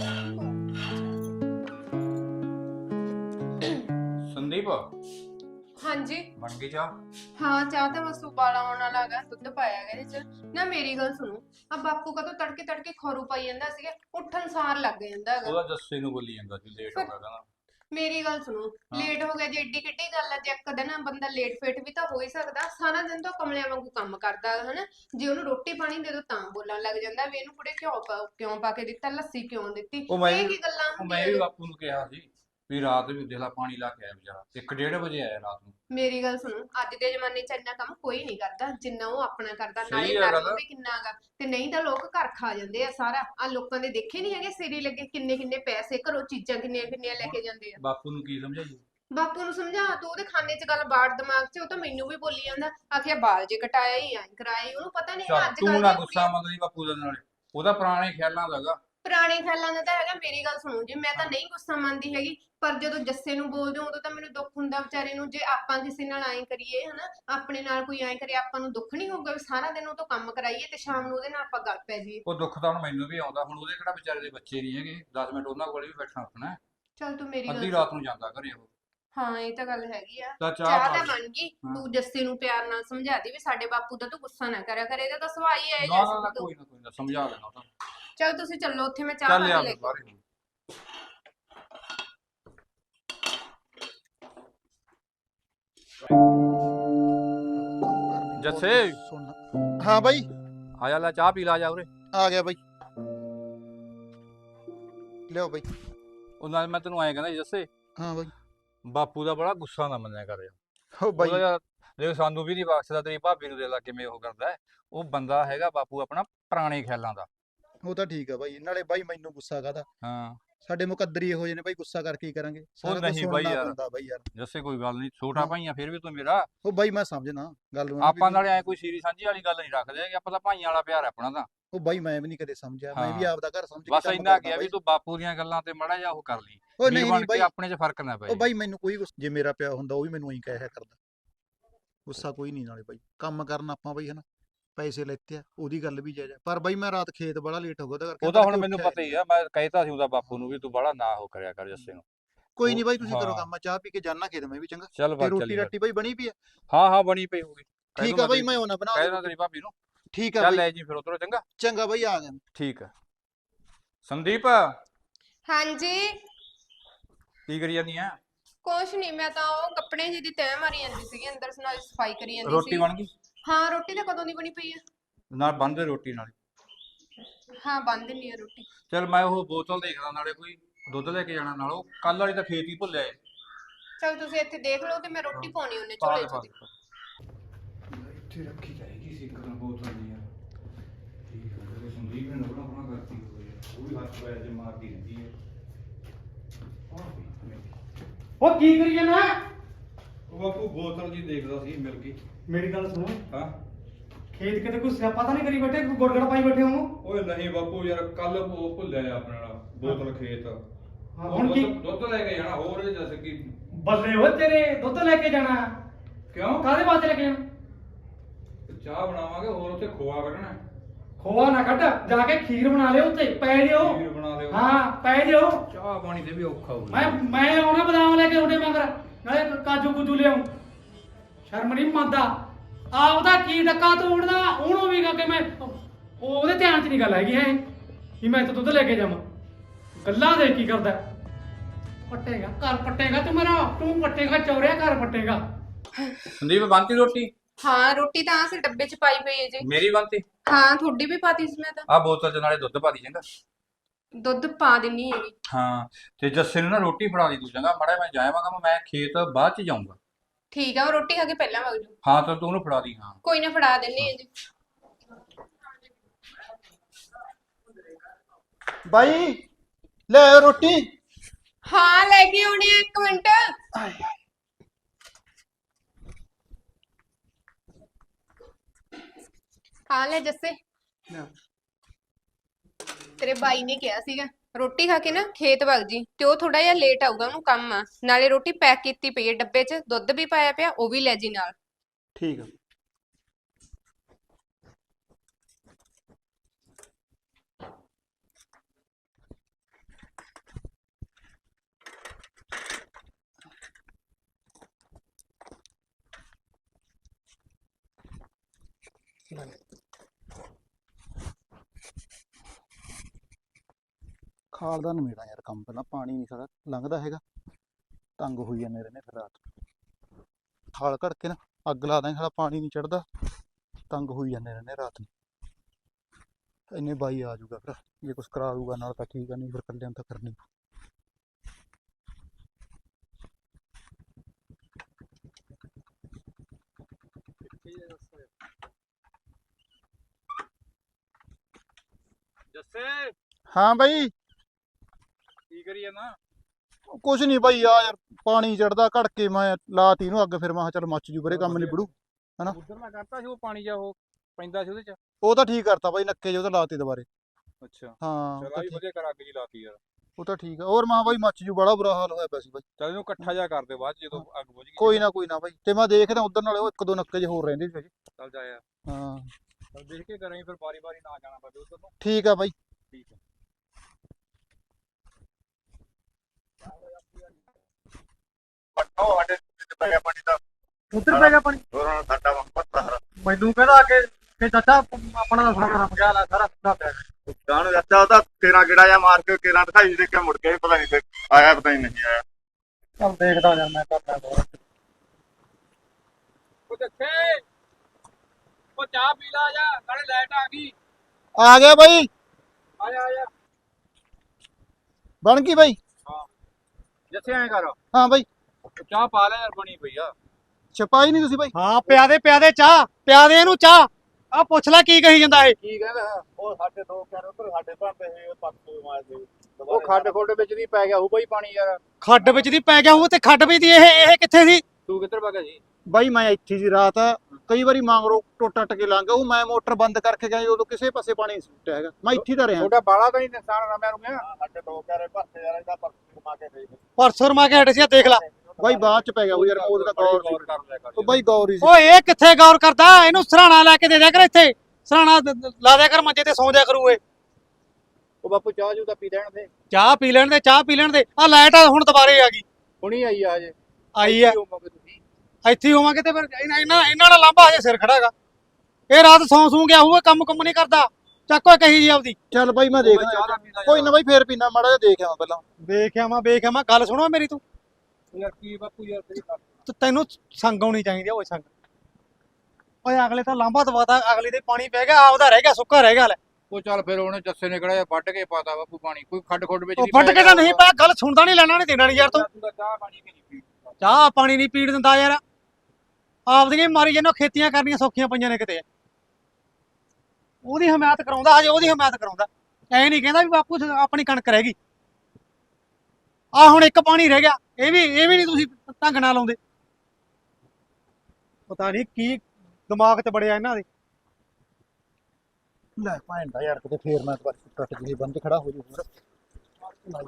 [SPEAKER 2] ਸੰਦੀਪ
[SPEAKER 4] ਹਾਂਜੀ
[SPEAKER 2] ਬਣ ਗਈ ਚਾਹ?
[SPEAKER 4] ਹਾਂ, ਚਾਹ ਤਾਂ ਬਸ ਉਬਾਲਾ ਆਉਣ ਵਾਲਾ ਹੈਗਾ, ਦੁੱਧ ਪਾਇਆ ਹੈਗਾ ਇਹਦੇ ਚ। ਨਾ ਮੇਰੀ ਗੱਲ ਸੁਣੋ, ਆ ਬਾਪੂ ਕਦੋਂ ਤੜਕੇ ਤੜਕੇ ਖਰੂ ਪਾਈ ਜਾਂਦਾ ਸੀਗਾ, ਉੱਠਣ ਸਾਰ ਲੱਗ ਜਾਂਦਾ ਹੈਗਾ।
[SPEAKER 2] ਉਹਦਾ ਜੱਸੇ ਨੂੰ ਬੋਲੀ ਜਾਂਦਾ ਸੀ ਲੇਟ ਹੋ ਗਿਆ ਕਹਿੰਦਾ।
[SPEAKER 4] ਮੇਰੀ ਗੱਲ ਸੁਣੋ, ਲੇਟ ਹੋ ਗਿਆ ਜੇ ਏਡੀ ਕਿੱਡੀ ਗੱਲ ਹੈ। ਜੇ ਇੱਕ ਦਿਨ ਬੰਦਾ ਲੇਟ ਫੇਟ ਵੀ ਤਾਂ ਹੋ ਹੀ ਸਕਦਾ। ਸਾਰਾ ਦਿਨ ਤਾਂ ਕਮਲਿਆਂ ਵਾਂਗੂ ਕੰਮ ਕਰਦਾ ਹਨਾ। ਜੇ ਉਹਨੂੰ ਰੋਟੀ ਪਾਣੀ ਦੇ ਦੋ ਤਾਂ ਬੋਲਣ ਲੱਗ ਜਾਂਦਾ ਵੀ ਇਹਨੂੰ ਕੁੜੇ ਕਿਉਂ ਪਾ ਕੇ ਦਿੱਤਾ, ਲੱਸੀ ਕਿਉਂ ਦਿੱਤੀ। ਇਹ ਕੀ ਗੱਲਾਂ
[SPEAKER 2] ਮੈਂ ਵੀ ਬਾਪੂ ਨੂੰ ਕਿਹਾ ਸੀ ਵੀ ਰਾਤ ਵੀ ਦੇਖ ਲਾ ਪਾਣੀ ਲਾ ਕੇ ਆਇਆ ਵਿਚਾਰਾ, 1:30 ਵਜੇ ਆਇਆ ਰਾਤ ਨੂੰ।
[SPEAKER 4] ਮੇਰੀ ਗੱਲ ਸੁਣੋ, ਅੱਜ ਦੇ ਜ਼ਮਾਨੇ 'ਚ ਇੰਨਾ ਕੰਮ ਕੋਈ ਨਹੀਂ ਕਰਦਾ ਜਿੰਨਾ ਉਹ ਆਪਣਾ ਕਰਦਾ। ਨਾਲੇ
[SPEAKER 2] ਸਹੀ ਆ ਗੱਲ।
[SPEAKER 4] ਨਰਮ ਵੀ ਕਿੰਨਾ ਗਾ, ਤੇ ਨਹੀਂ ਤਾਂ ਲੋਕ ਘਰ ਖਾ ਜਾਂਦੇ ਆ ਸਾਰਾ। ਆ ਲੋਕਾਂ ਦੇ ਦੇਖੇ ਨਹੀਂ ਹੈਗੇ ਸਿਰੇ ਲੱਗੇ, ਕਿੰਨੇ ਕਿੰਨੇ ਪੈਸੇ ਘਰੋਂ, ਚੀਜ਼ਾਂ ਕਿੰਨੀਆਂ ਕਿੰਨੀਆਂ ਲੈ ਕੇ ਜਾਂਦੇ ਆ।
[SPEAKER 2] ਬਾਪੂ ਨੂੰ ਕੀ ਸਮਝਾਈਏ?
[SPEAKER 4] ਬਾਪੂ ਨੂੰ ਸਮਝਾ ਤੂੰ, ਉਹਦੇ ਖਾਨੇ 'ਚ ਗੱਲ ਬਾੜ ਦਿਮਾਗ 'ਚ। ਉਹ ਤਾਂ ਮੈਨੂੰ ਵੀ ਬੋਲੀ ਜਾਂਦਾ, ਆਖਿਆ ਬਾਲ ਜੇ ਕਟਾਇਆ ਹੀ ਐਂ ਕਰਾਏ। ਉਹਨੂੰ ਪਤਾ ਨਹੀਂ
[SPEAKER 2] ਚੱਲ
[SPEAKER 4] ਅੱਜ
[SPEAKER 2] ਤੂੰ
[SPEAKER 4] ਕੱਲ
[SPEAKER 2] ਨਾ ਗੁੱਸਾ ਮੰਗਦੀ ਬਾਪੂ ਦੇ ਨਾਲੇ, ਉਹਦਾ ਪੁਰਾਣੇ ਖਿਆਲਾਂ ਦਾ।
[SPEAKER 4] ਪੁਰਾਣੇ ਖਿਆਲਾਂ ਦਾ ਤਾਂ ਹੈਗਾ। ਮੇਰੀ ਗੱਲ ਸੁਣੋ ਜੀ, ਮੈਂ ਤਾਂ ਨਹੀਂ ਗੁੱਸਾ ਮੰਨਦੀ ਹੈਗੀ, ਪਰ ਜਦੋਂ ਜੱਸੇ ਨੂੰ ਬੋਲਦੇ ਉਦੋਂ ਤਾਂ ਮੈਨੂੰ ਦੁੱਖ ਹੁੰਦਾ ਵਿਚਾਰੇ ਨੂੰ। ਜੇ ਆਪਾਂ ਕਿਸੇ ਨਾਲ ਐਂ ਕਰੀਏ ਹਨਾ, ਆਪਣੇ ਨਾਲ ਕੋਈ ਐਂ ਕਰੇ, ਆਪਾਂ ਨੂੰ ਦੁੱਖ ਨਹੀਂ ਹੋਊਗਾ ਵੀ ਸਾਰਾ ਦਿਨ ਉਹ ਤੋਂ ਕੰਮ ਕਰਾਈਏ ਤੇ ਸ਼ਾਮ ਨੂੰ ਉਹਦੇ ਨਾਲ ਆਪਾਂ ਗੱਲ ਪੈ ਜਾਈਏ?
[SPEAKER 2] ਉਹ ਦੁੱਖ ਤਾਂ ਹੁਣ ਮੈਨੂੰ ਵੀ ਆਉਂਦਾ। ਹੁਣ ਉਹਦੇ ਕਿਹੜਾ ਵਿਚਾਰੇ ਦੇ ਬੱਚੇ ਨਹੀਂ ਹੈਗੇ, 10 ਮਿੰਟ ਉਹਨਾਂ ਕੋਲ ਵੀ ਬੈਠਣਾ ਉੱਠਣਾ।
[SPEAKER 4] ਚੱਲ ਤੂੰ ਮੇਰੀ
[SPEAKER 2] ਅੱਧੀ
[SPEAKER 4] ਗੱਲ
[SPEAKER 2] ਰਾਤ ਨੂੰ ਜਾਂਦਾ ਘਰੇ ਉਹ।
[SPEAKER 4] ਹਾਂ, ਇਹ ਤਾਂ ਗੱਲ ਹੈਗੀ ਆ।
[SPEAKER 2] ਤਾਂ
[SPEAKER 4] ਚਾਹ
[SPEAKER 2] ਪਾ
[SPEAKER 4] ਤਾਂ
[SPEAKER 2] ਲਈ।
[SPEAKER 4] ਬਣ ਗਈ।
[SPEAKER 2] ਹਾਂ।
[SPEAKER 4] ਤੂੰ ਜੱਸੇ ਨੂੰ ਪਿਆਰ ਨਾਲ ਸਮਝਾ ਦੀ ਵੀ ਸਾਡੇ ਬਾਪੂ ਦਾ ਤੂੰ ਗੁੱਸਾ ਨਾ ਕਰਿਆ ਕਰ, ਇਹਦਾ ਤਾਂ ਸੁਭਾਅ ਹੀ ਹੈ
[SPEAKER 2] ਨਾ ਨਾ ਨਾ, ਕੋਈ ਨਾ ਸਮਝਾ ਲੈਣਾ ਤਾਂ।
[SPEAKER 4] ਚਲ ਤੁਸੀਂ ਚੱਲੋ, ਉੱਥੇ ਮੈਂ ਚਾਹ
[SPEAKER 2] ਚੱਲ
[SPEAKER 4] ਬਣਾ
[SPEAKER 2] ਯਾਰ
[SPEAKER 4] ਕੇ ਲੈ ਕੇ
[SPEAKER 2] ਬਾਹਰ। ਜੱਸੇ
[SPEAKER 3] ਹਾਂ ਬਾਈ,
[SPEAKER 2] ਆ ਜਾ, ਲੈ ਚਾਹ ਪੀ ਲਾ ਜਾ ਉਰੇ।
[SPEAKER 3] ਆ ਗਿਆ ਬਾਈ, ਲਿਓ ਬਾਈ।
[SPEAKER 2] ਉਹ ਨਾਲ ਮੈਂ ਤੈਨੂੰ ਐਂ ਕਹਿੰਦਾ ਸੀ ਜੱਸੇ,
[SPEAKER 3] ਹਾਂ ਬਾਈ।
[SPEAKER 2] ਬਾਪੂ ਦਾ ਬੜਾ ਗੁੱਸਾ ਨਾ ਮੰਨਿਆ ਕਰ ਯਾਰ।
[SPEAKER 3] ਉਹ ਬਾਈ
[SPEAKER 2] ਉਹਦਾ ਯਾਰ ਦੇਖ ਸਾਨੂੰ ਵੀ ਨਹੀਂ ਬਖਸ਼ਦਾ, ਤੇਰੀ ਭਾਬੀ ਨੂੰ ਦੇਖ ਲਾ ਕਿਵੇਂ ਉਹ ਕਰਦਾ ਹੈ। ਉਹ ਬੰਦਾ ਹੈਗਾ ਬਾਪੂ ਆਪਣਾ ਪੁਰਾਣੇ ਖਿਆਲਾਂ ਦਾ।
[SPEAKER 3] ਉਹ ਤਾਂ ਠੀਕ ਆ ਬਾਈ, ਨਾਲੇ ਬਾਈ ਮੈਨੂੰ ਗੁੱਸਾ ਕਾਹਦਾ,
[SPEAKER 2] ਹਾਂ
[SPEAKER 3] ਸਾਡੇ ਮੁਕੱਦਰ ਹੀ ਇਹੋ ਜਿਹੇ ਨੇ ਬਾਈ, ਗੁੱਸਾ ਕਰਕੇ ਕੀ ਕਰਾਂਗੇ, ਸਾਰਾ ਕੁਝ
[SPEAKER 2] ਨਹੀਂ ਬਾਈ
[SPEAKER 3] ਸੁਣਨਾ
[SPEAKER 2] ਯਾਰ।
[SPEAKER 3] ਪੈਂਦਾ ਬਾਈ ਯਾਰ।
[SPEAKER 2] ਜੱਸੇ ਕੋਈ ਗੱਲ ਨਹੀਂ, ਛੋਟਾ
[SPEAKER 3] ਹਾਂ।
[SPEAKER 2] ਭਾਈ ਆ ਫਿਰ ਵੀ ਤੂੰ ਮੇਰਾ।
[SPEAKER 3] ਉਹ ਬਾਈ ਮੈਂ ਸਮਝਣਾ ਗੱਲ ਨੂੰ ਨਾ
[SPEAKER 2] ਆਪਾਂ
[SPEAKER 3] ਵੀ-
[SPEAKER 2] ਨਾਲੇ ਐ ਕੋਈ ਸੀਰੀ ਸਾਂਝੀ ਵਾਲੀ ਗੱਲ ਨਹੀਂ ਰੱਖਦੇ ਕਿ ਆਪਾਂ ਤਾਂ ਭਾਈਆਂ ਵਾਲਾ ਪਿਆਰ ਹੈ ਆਪਣਾ ਤਾਂ।
[SPEAKER 3] ਉਹ ਬਾਈ ਮੈਂ ਵੀ ਨਹੀਂ ਕਦੇ ਸਮਝਿਆ, ਮੈਂ ਵੀ
[SPEAKER 2] ਹਾਂ।
[SPEAKER 3] ਆਪਦਾ ਘਰ ਸਮਝ ਕੇ
[SPEAKER 2] ਬਸ
[SPEAKER 3] ਕੰਮ
[SPEAKER 2] ਇੰਨਾ
[SPEAKER 3] ਕਰਦਾ
[SPEAKER 2] ਗਿਆ ਵੀ
[SPEAKER 3] ਬਾਈ।
[SPEAKER 2] ਤੂੰ ਬਾਪੂ ਦੀਆਂ ਗੱਲਾਂ ਤੇ ਮੜਾ ਜਾ ਉਹ ਕਰ ਲਈ,
[SPEAKER 3] ਉਹ
[SPEAKER 2] ਵੀਰ
[SPEAKER 3] ਨਹੀਂ
[SPEAKER 2] ਬਣ
[SPEAKER 3] ਨਹੀਂ
[SPEAKER 2] ਕੇ
[SPEAKER 3] ਬਾਈ,
[SPEAKER 2] ਆਪਣੇ 'ਚ ਫਰਕ ਨਾ ਪਏ।
[SPEAKER 3] ਉਹ ਬਾਈ ਮੈਨੂੰ ਕੋਈ ਜੇ ਮੇਰਾ ਪਿਆ ਹੁੰਦਾ ਉਹ ਵੀ ਮੈਨੂੰ ਐਂ ਕਹਿਆ ਕਰਦਾ, ਗੁੱਸਾ ਕੋਈ ਨਹੀਂ। ਨਾਲੇ ਬਾਈ ਕੰਮ ਕਰਨ ਆਪਾਂ ਬਾਈ ਹਨਾ, ਪੈਸੇ ਲੈਤੇ ਆ, ਉਹਦੀ ਗੱਲ ਵੀ ਜਾਇਜ਼ ਆ। ਪਰ ਬਾਈ ਮੈਂ ਰਾਤ ਖੇਤ ਬੜਾ ਲੇਟ ਹੋ ਗਿਆ ਉਹਦਾ ਕਰਕੇ
[SPEAKER 2] ਉਹ ਤਾਂ ਹੁਣ
[SPEAKER 3] ਤੜਕੇ
[SPEAKER 2] ਮੈਨੂੰ
[SPEAKER 3] ਉੱਠਿਆ
[SPEAKER 2] ਪਤਾ ਹੀ ਆ, ਮੈਂ ਕਹਿਤਾ ਸੀ ਉਹਦਾ ਬਾਪੂ ਨੂੰ ਵੀ ਤੂੰ ਬੜਾ ਨਾ ਹੋ ਕਰਿਆ ਕਰ ਜੱਸੇ ਨੂੰ।
[SPEAKER 3] ਕੋਈ ਨਹੀਂ ਬਾਈ, ਤੁਸੀਂ ਕਰੋ
[SPEAKER 2] ਹਾਂ।
[SPEAKER 3] ਕੰਮ, ਚਾਹ ਪੀ ਕੇ ਜਾਣਾ ਖੇਤ ਮੈਂ ਵੀ, ਚੰਗਾ।
[SPEAKER 2] ਚੱਲ
[SPEAKER 3] ਤੇ
[SPEAKER 2] ਬਾਈ
[SPEAKER 3] ਰੋਟੀ
[SPEAKER 2] ਚੱਲੀ
[SPEAKER 3] ਰਾਟੀ ਬਾਈ ਬਣੀ ਪਈ ਆ?
[SPEAKER 2] ਹਾਂ ਹਾਂ ਬਣੀ ਪਈ ਹੋਗੀ।
[SPEAKER 3] ਠੀਕ ਆ ਬਾਈ, ਮੈਂ ਉਹਨਾਂ ਬਣਾ
[SPEAKER 2] ਕਹਿ
[SPEAKER 3] ਦੂੰ।
[SPEAKER 2] ਦੇਣਾ ਤੇਰੀ ਭਾਬੀ ਨੂੰ।
[SPEAKER 3] ਠੀਕ ਆ
[SPEAKER 2] ਚੱਲ
[SPEAKER 3] ਬਾਈ,
[SPEAKER 2] ਲੈ ਜੀ ਫਿਰ ਉਧਰੋਂ, ਚੰਗਾ।
[SPEAKER 3] ਚੰਗਾ ਬਾਈ, ਆ ਗਿਆ।
[SPEAKER 2] ਠੀਕ ਆ ਸੰਦੀਪ,
[SPEAKER 4] ਹਾਂਜੀ
[SPEAKER 2] ਕੀ ਕਰੀ ਜਾਂਦੀ ਆ?
[SPEAKER 4] ਕੁਛ ਨਹੀਂ, ਮੈਂ ਤਾਂ ਉਹ ਕੱਪੜੇ ਜਿਹੀ ਦੀ ਤੈਅ ਮਾਰੀ ਜਾਂਦੀ ਸੀਗੀ, ਅੰਦਰ ਨਾਲ ਸਫਾਈ ਕਰੀ ਜਾਂਦੀ
[SPEAKER 2] ਰੋਟੀ
[SPEAKER 4] ਸੀ।
[SPEAKER 2] ਬਣ ਗਈ?
[SPEAKER 4] ਹਾਂ ਰੋਟੀ ਤਾਂ ਕਦੋਂ ਦੀ ਬਣੀ ਪਈ ਆ।
[SPEAKER 2] ਨਾਲ ਬੰਦ ਦੇ ਰੋਟੀ ਨਾਲ।
[SPEAKER 4] ਹਾਂ ਬੰਦ ਨਹੀਂ ਆ ਰੋਟੀ।
[SPEAKER 2] ਚੱਲ ਮੈਂ ਉਹ ਬੋਤਲ ਦੇਖਦਾ, ਨਾਲੇ ਕੋਈ ਦੁੱਧ ਲੈ ਕੇ ਜਾਣਾ, ਨਾਲ ਉਹ ਕੱਲ ਵਾਲੀ ਤਾਂ ਖੇਤ ਹੀ ਭੁੱਲਿਆ ਏ।
[SPEAKER 4] ਚਲ ਤੁਸੀਂ ਇੱਥੇ ਦੇਖ ਲਓ ਤੇ ਮੈਂ ਰੋਟੀ ਪਾਉਣੀ ਉਹਨੇ
[SPEAKER 2] ਪਾ
[SPEAKER 4] ਝੋਲੇ
[SPEAKER 2] ਦੇ, ਪਾ
[SPEAKER 4] ਚ।
[SPEAKER 2] ਦੇ। ਇੱਥੇ ਰੱਖੀ ਜਾਏਗੀ ਸੀ ਇੱਕ ਦਿਨ ਬੋਤਲ ਦੀ ਯਾਰ। ਠੀਕ ਹੈ, ਉਹ ਸੰਦੀਪ ਨੇ ਨਬੜਾ ਬਣਾ ਕਰਤੀ ਹੋਈ ਹੈ, ਉਹ ਵੀ ਹੱਥ ਪੈਰ 'ਚ ਮਾਰਦੀ ਰਹਿੰਦੀ ਹੈ।
[SPEAKER 1] ਉਹ ਕੀ ਕਰੀ ਜਾਣਾ?
[SPEAKER 2] ਉਹ ਬਾਪੂ ਬੋਤਲ ਜੀ ਦੇਖਦਾ ਸੀ, ਮਿਲ ਗਈ।
[SPEAKER 1] ਮੇਰੀ ਗੱਲ ਸੁਣੋ,
[SPEAKER 2] ਹਾਂ
[SPEAKER 1] ਖੇਤ ਕਿਤੇ ਕੋਈ ਸਿਆਪਾ ਤਾਂ ਨਹੀਂ ਕਰੀ ਬੈਠੇ, ਕੋਈ ਗੁੜਗੜ ਪਾਈ ਬੈਠੇ ਹੋ?
[SPEAKER 2] ਓਏ ਨਹੀਂ ਬਾਪੂ ਯਾਰ, ਕੱਲ ਉਹ ਭੁੱਲਿਆ ਆਪਣੇ ਨਾਲ ਬੋਤਲ ਖੇਤ।
[SPEAKER 1] ਹਾਂ, ਹੁਣ ਕੀ
[SPEAKER 2] ਦੁੱਧ ਲੈ ਕੇ ਜਾਣਾ, ਹੋਰ ਇਹ ਦੱਸ ਕੀ?
[SPEAKER 1] ਬੱਲੇ ਹੋ ਤੇਰੇ, ਦੁੱਧ ਲੈ ਕੇ ਜਾਣਾ?
[SPEAKER 2] ਕਿਉਂ?
[SPEAKER 1] ਕਾਹਦੇ ਵਾਸਤੇ ਲੈ ਕੇ ਜਾਣਾ?
[SPEAKER 2] ਚਾਹ ਬਣਾਵਾਂਗੇ, ਹੋਰ ਉੱਥੇ ਖੋਆ ਕੱਢਣਾ।
[SPEAKER 1] ਖੋਆ ਨਾ ਕੱਢ, ਜਾ ਕੇ ਖੀਰ ਬਣਾ ਲਿਓ, ਉੱਤੇ ਪੈ ਜਿਓ।
[SPEAKER 2] ਖੀਰ ਬਣਾ ਲਿਓ।
[SPEAKER 1] ਹਾਂ ਪੈ ਜਿਓ।
[SPEAKER 2] ਚਾਹ ਪਾਣੀ ਤੇ ਵੀ ਔਖਾ ਹੋ
[SPEAKER 1] ਮੈਂ ਆਉਣਾ ਬਦਾਮ ਲੈ ਕੇ ਉਹਦੇ ਮਗਰ, ਨਾਲੇ ਕਾਜੂ ਕੁਜੂ ਲਿਆਉਂ। ਸ਼ਰਮ ਨਹੀਂ ਮੰਨਦਾ, ਆਪਦਾ ਕੀ ਡੱਕਾ ਤੋੜਦਾ ਉਹਨੂੰ ਵੀ ਕਿ ਮੈਂ ਉਹਦੇ ਧਿਆਨ 'ਚ ਨਹੀਂ ਗੱਲ ਹੈਗੀ ਹੈ ਕਿ ਮੈਂ ਇੱਥੇ ਦੁੱਧ ਲੈ ਕੇ ਜਾਵਾਂ। ਗੱਲਾਂ ਦੇ ਕੀ ਕਰਦਾ? ਪੱਟੇਗਾ ਘਰ, ਪੱਟੇਗਾ ਤੂੰ ਮੇਰਾ, ਤੂੰ ਪੱਟੇਗਾ ਚੌਰਿਆ ਘਰ ਪੱਟੇਗਾ।
[SPEAKER 2] ਸੰਦੀਪ ਬੰਤੀ ਰੋਟੀ?
[SPEAKER 4] ਹਾਂ ਰੋਟੀ ਤਾਂ ਆਹ ਡੱਬੇ ਚ ਪਾਈ ਪਈ ਹੈ ਜੀ।
[SPEAKER 2] ਮੇਰੀ ਬੰਤੀ?
[SPEAKER 4] ਹਾਂ ਤੁਹਾਡੀ ਵੀ ਪਾਤੀ ਸੀ ਮੈਂ ਤਾਂ।
[SPEAKER 2] ਆ ਬੋਤਲ 'ਚ ਨਾਲੇ ਦੁੱਧ ਪਾ ਦੀ ਚੰਗਾ।
[SPEAKER 4] ਦੁੱਧ ਪਾ ਦਿੰਨੀ ਹੈਗੀ।
[SPEAKER 2] ਹਾਂ ਤੇ ਜੱਸੇ ਨੂੰ ਨਾ ਰੋਟੀ ਫੜਾ ਦੀ ਤੂੰ ਚੰਗਾ, ਮਾੜਾ ਮੈਂ ਜਾਵਾਂਗਾ, ਮੈਂ ਖੇਤ ਬਾਅਦ 'ਚ ਜਾਊਂਗਾ।
[SPEAKER 4] ਠੀਕ ਆ, ਉਹ ਰੋਟੀ ਖਾ ਕੇ ਪਹਿਲਾਂ ਵਗ ਜੂ।
[SPEAKER 2] ਹਾਂ ਤਾਂ ਤੂੰ ਉਹਨੂੰ ਫੜਾ ਦੀ। ਹਾਂ
[SPEAKER 4] ਕੋਈ ਨਾ ਫੜਾ ਦਿੰਨੀ ਹੈ ਜੀ।
[SPEAKER 3] ਬਾਈ ਲੈ ਆਇਓ ਰੋਟੀ।
[SPEAKER 4] ਹਾਂ ਲੈ ਕੇ ਆਉਣੀ ਆ, 1 ਮਿੰਟ। ਹਾਂ ਲੈ ਜੱਸੇ, ਤੇਰੇ ਬਾਈ ਨੇ ਕਿਹਾ ਸੀਗਾ ਰੋਟੀ ਖਾ ਕੇ ਨਾ ਖੇਤ ਵਗ ਜੀ, ਤੇ ਉਹ ਥੋੜਾ ਜਿਹਾ ਲੇਟ ਆਊਗਾ, ਉਹਨੂੰ ਕੰਮ ਆ। ਨਾਲੇ ਰੋਟੀ ਪੈਕ ਕੀਤੀ ਪਈ ਹੈ ਡੱਬੇ 'ਚ, ਦੁੱਧ ਵੀ ਪਾਇਆ ਪਿਆ, ਉਹ ਵੀ ਲੈ ਜੀ ਨਾਲ।
[SPEAKER 3] ਠੀਕ ਆ। ਖਾਲ ਦਾ ਨਵੇੜਾ ਯਾਰ ਕੰਮ, ਪਹਿਲਾਂ ਪਾਣੀ ਨਹੀਂ ਸਾਡਾ ਲੰਘਦਾ ਹੈਗਾ, ਤੰਗ ਹੋਈ ਜਾਂਦੇ ਰਹਿੰਦੇ ਫਿਰ ਰਾਤ ਨੂੰ। ਖਾਲ ਘੜ ਕੇ ਨਾ ਅੱਗ ਲਾ ਦਾਂਗੇ, ਸਾਡਾ ਪਾਣੀ ਨਹੀਂ ਚੜਦਾ, ਤੰਗ ਹੋਈ ਜਾਂਦੇ ਰਹਿੰਦੇ ਰਾਤ ਨੂੰ। ਇੰਨੇ ਬਾਈ ਆ ਜਾਊਗਾ ਫਿਰ, ਜੇ ਕੁਛ ਕਰਾ ਦੂਗਾ ਨਾਲ ਤਾਂ ਠੀਕ ਆ, ਨਹੀਂ ਫਿਰ ਇਕੱਲਿਆਂ ਨੂੰ ਤਾਂ ਕਰਨੀ।
[SPEAKER 2] ਜੱਸੇ
[SPEAKER 3] ਹਾਂ ਬਾਈ,
[SPEAKER 2] ਕੀ ਕਰੀ ਜਾਂਦਾ?
[SPEAKER 3] ਕੁਛ ਨਹੀਂ ਬਾਈ, ਆ ਯਾਰ ਪਾਣੀ ਚੜਦਾ ਘੜ ਕੇ, ਮੈਂ ਲਾਤੀ ਇਹਨੂੰ ਅੱਗ, ਫਿਰ ਮੈਂ ਕਿਹਾ ਚੱਲ ਮੱਚ ਜੂ ਪਰੇ, ਕੰਮ ਨਿਬੜੂ ਹਨਾ।
[SPEAKER 2] ਉਧਰ ਮੈਂ ਕਰਤਾ ਸੀ ਉਹ ਪਾਣੀ ਜਾ ਉਹ ਪੈਂਦਾ ਸੀ ਉਹਦੇ 'ਚ।
[SPEAKER 3] ਉਹ ਤਾਂ ਠੀਕ ਕਰਤਾ ਬਾਈ, ਨੱਕੇ ਜੇ ਉਹਦਾ ਲਾਤੇ ਦੁਬਾਰੇ।
[SPEAKER 2] ਅੱਛਾ
[SPEAKER 3] ਹਾਂ ਉਹ
[SPEAKER 2] ਚਲ
[SPEAKER 3] ਤਾਂ
[SPEAKER 2] ਆਈ
[SPEAKER 3] ਠੀਕ-
[SPEAKER 2] ਵਧੀਆ ਕਰ, ਅੱਗ ਜੀ ਲਾਤੀ ਯਾਰ।
[SPEAKER 3] ਉਹ ਤਾਂ ਠੀਕ ਆ। ਹੋਰ ਮਾਂ ਬਾਈ ਮੱਚ ਜੂ, ਬੜਾ ਬੁਰਾ ਹਾਲ ਹੋਇਆ ਪਿਆ ਸੀ ਬਾਈ।
[SPEAKER 2] ਚੱਲ ਇਹਨੂੰ ਇਕੱਠਾ ਜਾ ਕਰ ਦੇ ਬਾਅਦ 'ਚ ਜਦੋਂ ਅੱਗ ਬੁਝ ਗਈ।
[SPEAKER 3] ਕੋਈ ਨਾ ਬਾਈ, ਤੇ ਮੈਂ ਦੇਖਦਾ ਉਧਰ ਨਾਲੇ ਉਹ 1-2 ਨੱਕੇ ਜੇ ਹੋਰ ਰਹਿੰਦੇ ਸੀ ਅਜੇ।
[SPEAKER 2] ਚੱਲ ਜਾ ਯਾਰ,
[SPEAKER 3] ਹਾਂ
[SPEAKER 2] ਚੱਲ ਦੇਖ ਕੇ ਕਰਾਂਗੇ, ਫਿਰ ਵਾਰੀ ਵਾਰੀ ਨਾ ਜਾਣਾ ਪਵੇ ਉਧਰ ਨੂੰ।
[SPEAKER 3] ਠੀਕ ਆ ਬਾਈ।
[SPEAKER 2] ਠੀਕ ਹੈ।
[SPEAKER 5] ਸਾਡੇ ਪੈ ਗਿਆ ਪਾਣੀ ਦਾ,
[SPEAKER 1] ਉੱਧਰ ਪੈ ਗਿਆ ਪਾਣੀ।
[SPEAKER 5] ਹੋਰ ਹੁਣ ਸਾਡਾ ਪੱਤਾ
[SPEAKER 1] ਮੈਨੂੰ ਕਹਿੰਦਾ ਕਿ ਚਾਚਾ ਆਪਣਾ ਦਾ ਸਾਰਾ ਮਗਿਆ ਲੈ, ਸਾਰਾ ਸੁੱਕਾ ਪਿਆ।
[SPEAKER 5] ਕਾਹਨੂੰ ਚਾਚਾ, ਉਹਦਾ ਤੇਰਾ ਗੇੜਾ ਜਾਂ ਮਾਰ ਕੇ ਕੇਰਾਂ ਦਿਖਾਈ ਦੇ ਕੇ ਮੁੜ ਕੇ ਪਤਾ ਨਹੀਂ ਆਇਆ, ਪਤਾ ਨਹੀਂ ਆਇਆ।
[SPEAKER 1] ਚੱਲ ਦੇਖਦਾ ਯਾਰ, ਮੈਂ ਕਰਦਾ ਹੋਰ।
[SPEAKER 2] ਉਹ ਜੱਸੇ, ਉਹ ਚਾਹ ਪੀ ਲਾ ਜਾ, ਨਾਲੇ ਲਾਈਟ ਆ ਗਈ।
[SPEAKER 3] ਆ ਗਿਆ ਬਾਈ,
[SPEAKER 2] ਆ ਜਾ
[SPEAKER 3] ਬਣ ਗਈ ਬਾਈ।
[SPEAKER 2] ਹਾਂ ਜਿੱਥੇ ਐਂ ਕਰ
[SPEAKER 3] ਹਾਂ ਬਾਈ
[SPEAKER 2] ਚਾਹ ਪਾ ਲੈ ਯਾਰ ਬਣੀ ਪਈ ਆ
[SPEAKER 3] ਛਪਾਈ ਨਹੀਂ ਤੁਸੀਂ ਬਾਈ
[SPEAKER 1] ਹਾਂ ਪਿਆਦੇ ਚਾਹ ਪਿਆਦੇ ਇਹਨੂੰ ਚਾਹ ਆ ਪੁੱਛ ਲੈ ਕੀ ਕਹੀ ਜਾਂਦਾ ਇਹ
[SPEAKER 2] ਕੀ ਕਹਿੰਦਾ
[SPEAKER 5] ਉਹ ਸਾਡੇ ਦੋ ਕਰ ਉਧਰ ਸਾਡੇ ਭਾਂਡੇ ਇਹ ਪੱਤ ਮਾਰਦੇ
[SPEAKER 2] ਉਹ ਖੱਡ ਖੁੱਡ ਵਿੱਚ ਦੀ ਪੈ ਗਿਆ ਹੋਊ ਬਈ ਪਾਣੀ ਯਾਰ
[SPEAKER 1] ਖੱਡ ਵਿੱਚ ਦੀ ਪੈ ਗਿਆ ਉਹ ਤੇ ਖੱਡ ਵਿੱਚ ਦੀ ਇਹ ਕਿੱਥੇ ਸੀ
[SPEAKER 2] ਤੂੰ ਕਿੱਧਰ ਵਗਾ ਜੀ
[SPEAKER 3] ਬਾਈ ਮੈਂ ਇੱਥੇ ਸੀ ਰਾਤ ਕਈ ਵਾਰੀ ਮੰਗਰੋ ਟੁੱਟ ਕੇ ਲੰਘ ਗਿਆ ਉਹ ਮੈਂ ਮੋਟਰ ਬੰਦ ਕਰਕੇ ਗਿਆ ਉਦੋਂ ਕਿਸੇ ਪਾਸੇ ਪਾਣੀ ਨਹੀਂ ਸੁੱਟਿਆ ਹੈਗਾ ਮੈਂ ਇੱਥੇ ਤਾਂ ਰਿਹਾ
[SPEAKER 2] ਤੁਹਾਡਾ ਬਾਲਾ ਤਾਂ ਨਹੀਂ ਨੁਕਸਾਨ ਰਮਿਆ ਨੂੰ ਗਿਆ
[SPEAKER 5] ਸਾਡੇ ਦੋ ਕਰੇ ਭਰਤੇ ਯਾਰ ਇਹਦਾ ਪਰਸੋਂ ਕਮਾ ਕੇ ਦੇ
[SPEAKER 1] ਪਰਸੋਂ ਰਮਾ ਕੇ ਹਟੇ ਸੀ ਦੇਖ ਲੈ
[SPEAKER 3] ਬਾਈ ਬਾਅਦ ਚ ਪੈ ਗਿਆ ਉਹ ਯਾਰ ਉਹਦਾ ਤਾਂ ਗੌਰ ਸੀ
[SPEAKER 2] ਕਰ ਲਿਆ ਕਰ
[SPEAKER 3] ਉਹ ਬਾਈ ਗੌਰ ਹੀ ਸੀ
[SPEAKER 1] ਓਏ ਇਹ ਕਿੱਥੇ ਗੌਰ ਕਰਦਾ ਇਹਨੂੰ ਸਰਾਣਾ ਲੈ ਕੇ ਦੇ ਦਿਆ ਕਰ ਇੱਥੇ ਸਰਾਣਾ ਲਾ ਦਿਆ ਕਰ ਮੰਜੇ ਤੇ ਸੌਂ ਜਾ ਕਰੂ ਇਹ
[SPEAKER 2] ਉਹ ਬਾਪੂ ਚਾਹ ਜੂ ਤਾਂ ਪੀ ਲੈਣ ਦੇ
[SPEAKER 1] ਚਾਹ ਪੀ ਲੈਣ ਦੇ ਆ ਲਾਈਟ ਆ ਹੁਣ ਦੁਬਾਰੇ ਆ ਗਈ
[SPEAKER 2] ਹੁਣੀ ਆਈ ਆ ਹਜੇ
[SPEAKER 1] ਆਈ ਆ
[SPEAKER 2] ਹੋਵੋਗੇ ਤੁਸੀਂ
[SPEAKER 1] ਇੱਥੇ ਹੀ ਹੋਵਾਂਗੇ ਤੇ ਫਿਰ ਇਹਨਾਂ ਦਾ ਲਾਂਭਾ ਹਜੇ ਸਿਰ ਖੜਾਗਾ ਇਹ ਰਾਤ ਸੌਂ ਗਿਆ ਹੋਊਗਾ ਕੰਮ ਨਹੀਂ ਕਰਦਾ ਚੱਕੋ ਕਹੀ ਜੀ ਆਪਦੀ
[SPEAKER 3] ਚੱਲ ਬਾਈ ਮੈਂ ਦੇਖਦਾ ਕੋਈ ਨਾ ਬਾਈ ਫੇਰ ਪੀਣਾ ਮਾੜਾ ਜਿਹਾ ਦੇਖ ਆਵਾਂ ਪਹਿਲਾਂ
[SPEAKER 1] ਵੇਖ ਆਵਾਂ ਗੱਲ ਸੁਣੋ ਮੇਰੀ ਤੂੰ
[SPEAKER 2] ਯਾਰ ਕੀ ਬਾਪੂ ਯਾਰ ਤੇਰੀ ਗੱਲ
[SPEAKER 1] ਤੈਨੂੰ ਸੰਗ ਆਉਣੀ ਚਾਹੀਦੀ ਆ ਓਏ ਸੰਗ ਓਏ ਅਗਲੇ ਤਾਂ ਲਾਂਭਾ ਦਵਾਤਾ ਅਗਲੇ ਦੇ ਪਾਣੀ ਪੈ ਗਿਆ ਆਪਦਾ ਰਹਿ ਗਿਆ ਸੁੱਕਾ ਰਹਿ ਗਿਆ ਲੈ
[SPEAKER 2] ਉਹ ਚੱਲ ਫਿਰ ਉਹਨੇ ਜੱਸੇ ਨੇ ਕਿਹੜਾ ਵੱਢ ਕੇ ਪਾਤਾ ਬਾਪੂ ਪਾਣੀ ਕੋਈ ਖੱਡ ਖੁੱਡ ਵਿੱਚ
[SPEAKER 1] ਉਹ ਵੱਢ ਕੇ ਤਾਂ ਨਹੀਂ ਪਿਆ ਗੱਲ ਸੁਣਦਾ ਨਹੀਂ ਲੈਣਾ ਨਹੀਂ ਦੇਣਾ ਨਹੀਂ ਯਾਰ ਤੂੰ
[SPEAKER 2] ਚਾਹ ਪਾਣੀ ਵੀ ਨਹੀਂ ਪੀ
[SPEAKER 1] ਚਾਹ ਪਾਣੀ ਨਹੀਂ ਪੀਣ ਦਿੰਦਾ ਯਾਰ ਆਪਦੀਆਂ ਹੀ ਮਾਰੀ ਜਿਹਨੂੰ ਖੇਤੀਆਂ ਕਰਨੀਆਂ ਸੌਖੀਆਂ ਪਈਆਂ ਨੇ ਕਿਤੇ ਉਹਦੀ ਹਮਾਇਤ ਕਰਾਉਂਦਾ ਹਜੇ ਉਹਦੀ ਹਮਾਇਤ ਕਰਾਉਂਦਾ ਐ ਨਹੀਂ ਕਹਿੰਦਾ ਵੀ ਬਾਪੂ ਆਪਣੀ ਕਣਕ ਰਹਿ ਗਈ ਆ ਹੁਣ ਇੱਕ ਪਾਣੀ ਰਹਿ ਗਿਆ ਇਹ ਵੀ ਨਹੀਂ ਤੁਸੀਂ ਢੰਗ ਨਾਲ ਲਾਉਂਦੇ ਪਤਾ ਨਹੀਂ ਕੀ ਦਿਮਾਗ 'ਚ ਬੜਿਆ ਇਹਨਾਂ ਦੇ
[SPEAKER 3] ਲੈ ਭੈਣ ਦਾ ਯਾਰ ਕਿਤੇ ਫੇਰ ਮੈਂ ਦੁਬਾਰਾ ਟੁੱਟ ਜਿਹੀ ਬੰਦ ਖੜਾ ਹੋ ਜੂ ਹੋਰ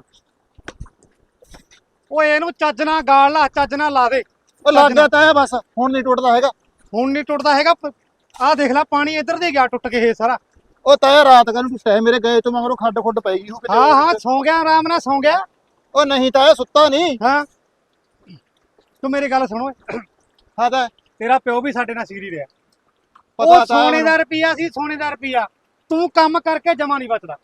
[SPEAKER 1] ਓਏ ਇਹਨੂੰ ਚੱਜ ਨਾਲ ਗਾਲ ਲਾ ਚੱਜ ਨਾਲ ਲਾ ਦੇ
[SPEAKER 3] ਉਹ ਲੱਗ ਗਿਆ ਤਾਂ ਬਸ ਹੁਣ ਨਹੀਂ ਟੁੱਟਦਾ ਹੈਗਾ
[SPEAKER 1] ਹੁਣ ਨਹੀਂ ਟੁੱਟਦਾ ਹੈਗਾ ਆਹ ਦੇਖ ਲੈ ਪਾਣੀ ਇੱਧਰ ਦੇ ਗਿਆ ਟੁੱਟ ਕੇ ਇਹ ਸਾਰਾ
[SPEAKER 3] ਉਹ ਤਾਂ ਰਾਤ ਕੱਲ ਨੂੰ ਸਹਿ ਮੇਰੇ ਗਏ ਤੋਂ ਮਗਰੋਂ ਖੱਡ ਖੁੱਡ ਪੈ ਗਈ
[SPEAKER 1] ਹਾਂ ਸੌਂ ਗਿਆ ਆਰਾਮ ਨਾਲ ਸੌਂ ਗਿਆ
[SPEAKER 3] ਉਹ ਨਹੀਂ ਤਾਂ ਸੁੱਤਾ ਨਹੀਂ
[SPEAKER 1] ਹਾਂ ਤੂੰ ਮੇਰੀ ਗੱਲ ਸੁਣ ਓਏ
[SPEAKER 3] ਹਾਂ ਤਾਂ
[SPEAKER 1] ਤੇਰਾ ਪਿਓ ਵੀ ਸਾਡੇ ਨਾਲ ਸੀਰੀ ਰਿਹਾ
[SPEAKER 3] ਪਤਾ
[SPEAKER 1] ਉਹ
[SPEAKER 3] ਤਾਂ
[SPEAKER 1] ਸੋਨੇ ਦਾ ਰੁਪਿਆ ਸੀ ਸੋਨੇ ਦਾ ਰੁਪਿਆ ਤੂੰ ਕੰਮ ਕਰਕੇ ਜਮਾ ਨਹੀਂ ਬਚਦਾ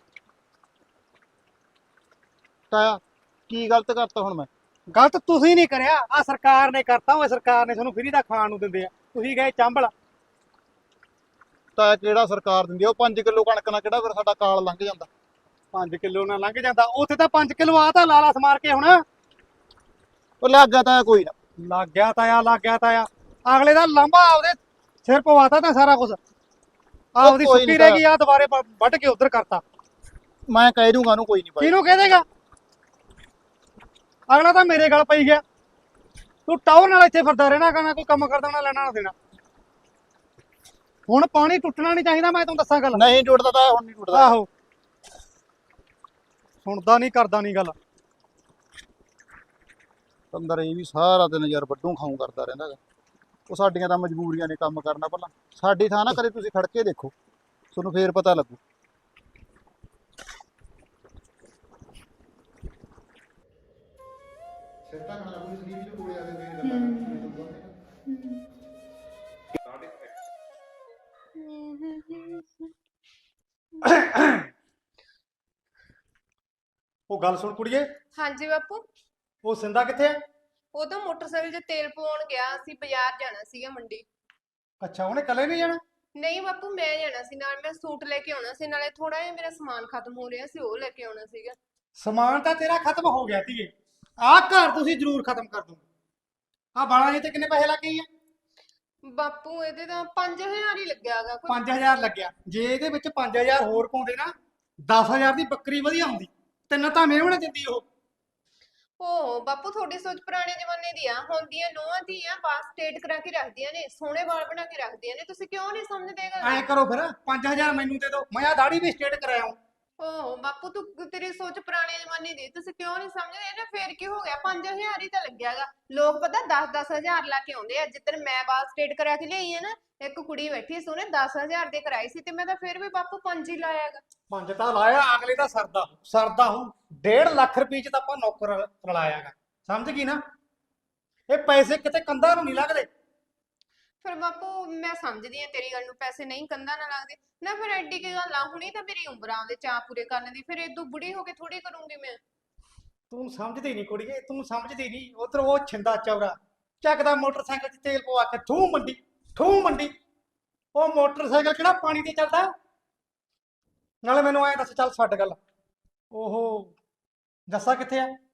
[SPEAKER 3] ਤਾਇਆ ਕੀ ਗਲਤ ਕਰਤਾ ਹੁਣ ਮੈਂ
[SPEAKER 1] ਗਲਤ ਤੁਸੀਂ ਨਹੀਂ ਕਰਿਆ ਆ ਸਰਕਾਰ ਨੇ ਕਰਤਾ ਓਏ ਸਰਕਾਰ ਨੇ ਤੁਹਾਨੂੰ ਫਰੀ ਦਾ ਖਾਣ ਨੂੰ ਦਿੰਦੇ ਆ ਤੁਸੀਂ ਗਏ ਚਾਂਬਲ
[SPEAKER 3] ਤਾਇਆ ਕਿਹੜਾ ਸਰਕਾਰ ਦਿੰਦੀ ਆ ਉਹ 5 ਕਿਲੋ ਕਣਕ ਨਾਲ ਕਿਹੜਾ ਫਿਰ ਸਾਡਾ ਕਾਲ ਲੰਘ ਜਾਂਦਾ
[SPEAKER 1] 5 ਕਿਲੋ ਨਾਲ ਲੰਘ ਜਾਂਦਾ ਉੱਥੇ ਤਾਂ 5 ਕਿਲੋ ਆ ਤਾਂ ਲਾਲਾ ਸਮਾਰ ਕੇ ਹੁਣ
[SPEAKER 3] ਉਹ ਲੱਗ ਗਿਆ ਤਾਇਆ ਕੋਈ ਨਾ
[SPEAKER 1] ਲੱਗ ਗਿਆ ਤਾਇਆ ਅਗਲੇ ਦਾ ਲਾਂਭਾ ਆਪਦੇ ਸਿਰ ਪਵਾਤਾ ਤਾਂ ਸਾਰਾ ਕੁਝ ਆਪਦੀ
[SPEAKER 3] ਕੋਈ
[SPEAKER 1] ਸੁੱਕੀ
[SPEAKER 3] ਨੀ
[SPEAKER 1] ਰਹਿ ਗਈ ਆ ਦੁਬਾਰੇ ਵੱਢ ਕੇ ਉਧਰ ਕਰਤਾ
[SPEAKER 3] ਮੈਂ ਕਹਿ ਦੂੰਗਾ ਉਹਨੂੰ ਕੋਈ ਨਹੀਂ ਬਾਈ
[SPEAKER 1] ਕਿਹਨੂੰ ਕਹਿ ਦੇਗਾ ਅਗਲਾ ਤਾਂ ਮੇਰੇ ਗਲ ਪਈ ਗਿਆ ਤੂੰ ਟਾਉਰ ਨਾਲ ਇੱਥੇ ਫਿਰਦਾ ਰਹਿਣਾ ਕਰਨਾ ਕੋਈ ਕੰਮ ਕਰਦਾ ਨਾ ਲੈਣਾ ਨਾ ਦੇਣਾ ਹੁਣ ਪਾਣੀ ਟੁੱਟਣਾ ਨਹੀਂ ਚਾਹੀਦਾ ਮੈਂ ਤੈਨੂੰ ਦੱਸਾਂ ਗੱਲ
[SPEAKER 3] ਨਹੀਂ ਟੁੱਟਦਾ ਤਾਇਆ ਹੁਣ ਨਹੀਂ ਟੁੱਟਦਾ
[SPEAKER 1] ਆਹੋ ਸੁਣਦਾ ਨਹੀਂ ਕਰਦਾ ਨਹੀਂ ਗੱਲ
[SPEAKER 3] ਅੰਦਰ ਇਹ ਵੀ ਸਾਰਾ ਦਿਨ ਯਾਰ ਵੱਡੂ ਖਾਉ ਕਰਦਾ ਰਹਿੰਦਾ ਗਾ। ਉਹ ਸਾਡੀਆਂ ਤਾਂ ਮਜਬੂਰੀਆਂ ਨੇ ਕੰਮ ਕਰਨਾ ਪਹਿਲਾਂ ਸਾਡੀ ਥਾਂ ਨਾ ਕਦੇ ਤੁਸੀਂ ਖੜ ਕੇ ਦੇਖੋ ਤੁਹਾਨੂੰ ਫੇਰ ਪਤਾ ਲੱਗੂ
[SPEAKER 1] ਉਹ ਗੱਲ ਸੁਣ ਕੁੜੀਏ
[SPEAKER 4] ਹਾਂਜੀ ਬਾਪੂ
[SPEAKER 1] ਉਹ ਸਿੰਦਾ ਕਿੱਥੇ ਆ
[SPEAKER 4] ਉਹ ਤਾਂ ਮੋਟਰਸਾਈਕਲ 'ਚ ਤੇਲ ਪਵਾਉਣ ਗਿਆ ਸੀ ਬਾਜ਼ਾਰ ਜਾਣਾ ਸੀਗਾ ਮੰਡੀ
[SPEAKER 1] ਅੱਛਾ ਉਹਨੇ ਇਕੱਲੇ ਨਹੀਂ ਜਾਣਾ
[SPEAKER 4] ਨਹੀਂ ਬਾਪੂ ਮੈਂ ਜਾਣਾ ਸੀ ਨਾਲ ਮੈਂ ਸੂਟ ਲੈ ਕੇ ਆਉਣਾ ਸੀ ਨਾਲੇ ਥੋੜਾ ਜਿਹਾ ਮੇਰਾ ਸਮਾਨ ਖਤਮ ਹੋ ਰਿਹਾ ਸੀ ਉਹ ਲੈ ਕੇ ਆਉਣਾ ਸੀਗਾ
[SPEAKER 1] ਸਮਾਨ ਤਾਂ ਤੇਰਾ ਖਤਮ ਹੋ ਗਿਆ ਧੀਏ ਆਹ ਘਰ ਤੁਸੀਂ ਜ਼ਰੂਰ ਖਤਮ ਕਰ ਦੂੰਗੇ ਆਹ ਬਾਲਾਂ ਤੇ ਕਿੰਨੇ ਪੈਸੇ ਲੱਗੇ ਆ
[SPEAKER 4] ਬਾਪੂ ਇਹਦੇ ਤਾਂ 5000 ਹੀ ਲੱਗਿਆਗਾ ਕੋਈ
[SPEAKER 1] 5000 ਲੱਗਿਆ ਜੇ ਇਹਦੇ ਵਿੱਚ 5000 ਹੋਰ ਪਾਉਂਦੇ ਨਾ 10000 ਦੀ ਬੱਕਰੀ ਵਧੀਆ ਹੁੰਦੀ ਤਿੰਨ ਤਾਂ ਮੇਵਣੇ ਦਿੰਦੀ ਉਹ
[SPEAKER 4] ਓ ਬਾਪੂ ਤੁਹਾਡੀ ਸੋਚ ਪੁਰਾਣੇ ਜ਼ਮਾਨੇ ਦੀ ਆ ਹੁਣ ਦੀਆਂ ਨੋਹਾਂ ਧੀਆਂ ਬਾਸ ਸਟੇਟ ਕਰਾ ਕੇ ਰੱਖਦੀਆਂ ਨੇ ਸੋਹਣੇ ਵਾਲ ਬਣਾ ਕੇ ਰੱਖਦੀਆਂ ਨੇ ਤੁਸੀਂ ਕਿਉਂ ਨਹੀਂ ਸਮਝਦੇਗਾ
[SPEAKER 1] ਐਂ ਕਰੋ ਫਿਰ 5000 ਮੈਨੂੰ ਦੇ ਦਿਓ ਮੈਂ ਆ ਦਾੜੀ ਵੀ ਸਟੇਟ ਕਰਾਇਆ
[SPEAKER 4] ਓ ਬਾਪੂ ਤੂੰ ਤੇਰੀ ਸੋਚ ਪੁਰਾਣੇ ਜ਼ਮਾਨੇ ਦੀ ਤੁਸੀਂ ਕਿਉਂ ਨਹੀਂ ਸਮਝਦੇ ਨਾ ਫੇਰ ਕੀ ਹੋ ਗਿਆ 5000 ਹੀ ਤਾਂ ਲੱਗਿਆਗਾ ਲੋਕ ਪਤਾ 10-10000 ਲਾ ਕੇ ਆਉਂਦੇ ਆ ਜਿੱਦਣ ਮੈਂ ਬਾਲ ਸਟੇਟ ਕਰਾ ਕੇ ਲਿਆਈ ਹੈ ਨਾ ਇੱਕ ਕੁੜੀ ਬੈਠੀ ਸੀ ਉਹਨੇ 10000 ਦੇ ਕਰਾਈ ਸੀ ਤੇ ਮੈਂ ਤਾਂ ਫੇਰ ਵੀ ਬਾਪੂ 5 ਹੀ ਲਾਇਆਗਾ
[SPEAKER 1] 5 ਤਾਂ ਲਾਇਆ ਅਗਲੇ ਦਾ ਸਰਦਾ ਹੂੰ 1.5 ਲੱਖ ਰੁਪਏ ਚ ਤਾਂ ਆਪਾਂ ਨੌਕਰ ਰਲਾਇਆਗਾ ਸਮਝ ਗਈ ਨਾ ਇਹ ਪੈਸੇ ਕਿਤੇ ਕੰਧਾਂ ਨੂੰ ਨਹੀਂ ਲੱਗਦੇ
[SPEAKER 4] ਫਿਰ ਬਾਪੂ ਮੈਂ ਸਮਝਦੀ ਆ ਤੇਰੀ ਗੱਲ ਨੂੰ ਪੈਸੇ ਨਹੀਂ ਕੰਧਾਂ ਨਾ ਲੱਗਦੇ ਨਾ ਫਿਰ ਐਡੀ ਕੀ ਗੱਲ ਆ ਹੁਣੀ ਤਾਂ ਮੇਰੀ ਉਮਰਾਂ ਦੇ ਚਾਅ ਪੂਰੇ ਕਰਨ ਦੀ ਫਿਰ ਇਦੋਂ ਬੁੜੀ ਹੋ ਕੇ ਥੋੜੀ ਕਰੂੰਗੀ ਮੈਂ
[SPEAKER 1] ਤੂੰ ਸਮਝਦੀ ਨਹੀਂ ਕੁੜੀਏ ਤੂੰ ਸਮਝਦੀ ਨਹੀਂ ਉਧਰ ਉਹ ਛਿੰਦਾ ਚੌਰਾ ਚੱਕਦਾ ਮੋਟਰਸਾਈਕਲ 'ਚ ਤੇਲ ਪਵਾ ਕੇ ਠੂ ਮੰਡੀ ਉਹ ਮੋਟਰਸਾਈਕਲ ਕਿਹੜਾ ਪਾਣੀ ਤੇ ਚੱਲਦਾ ਨਾਲੇ ਮੈਨੂੰ ਐਂ ਦੱਸ ਚੱਲ ਛੱਡ ਗੱਲ ਓਹੋ ਜੱਸਾ ਕਿੱਥੇ ਆ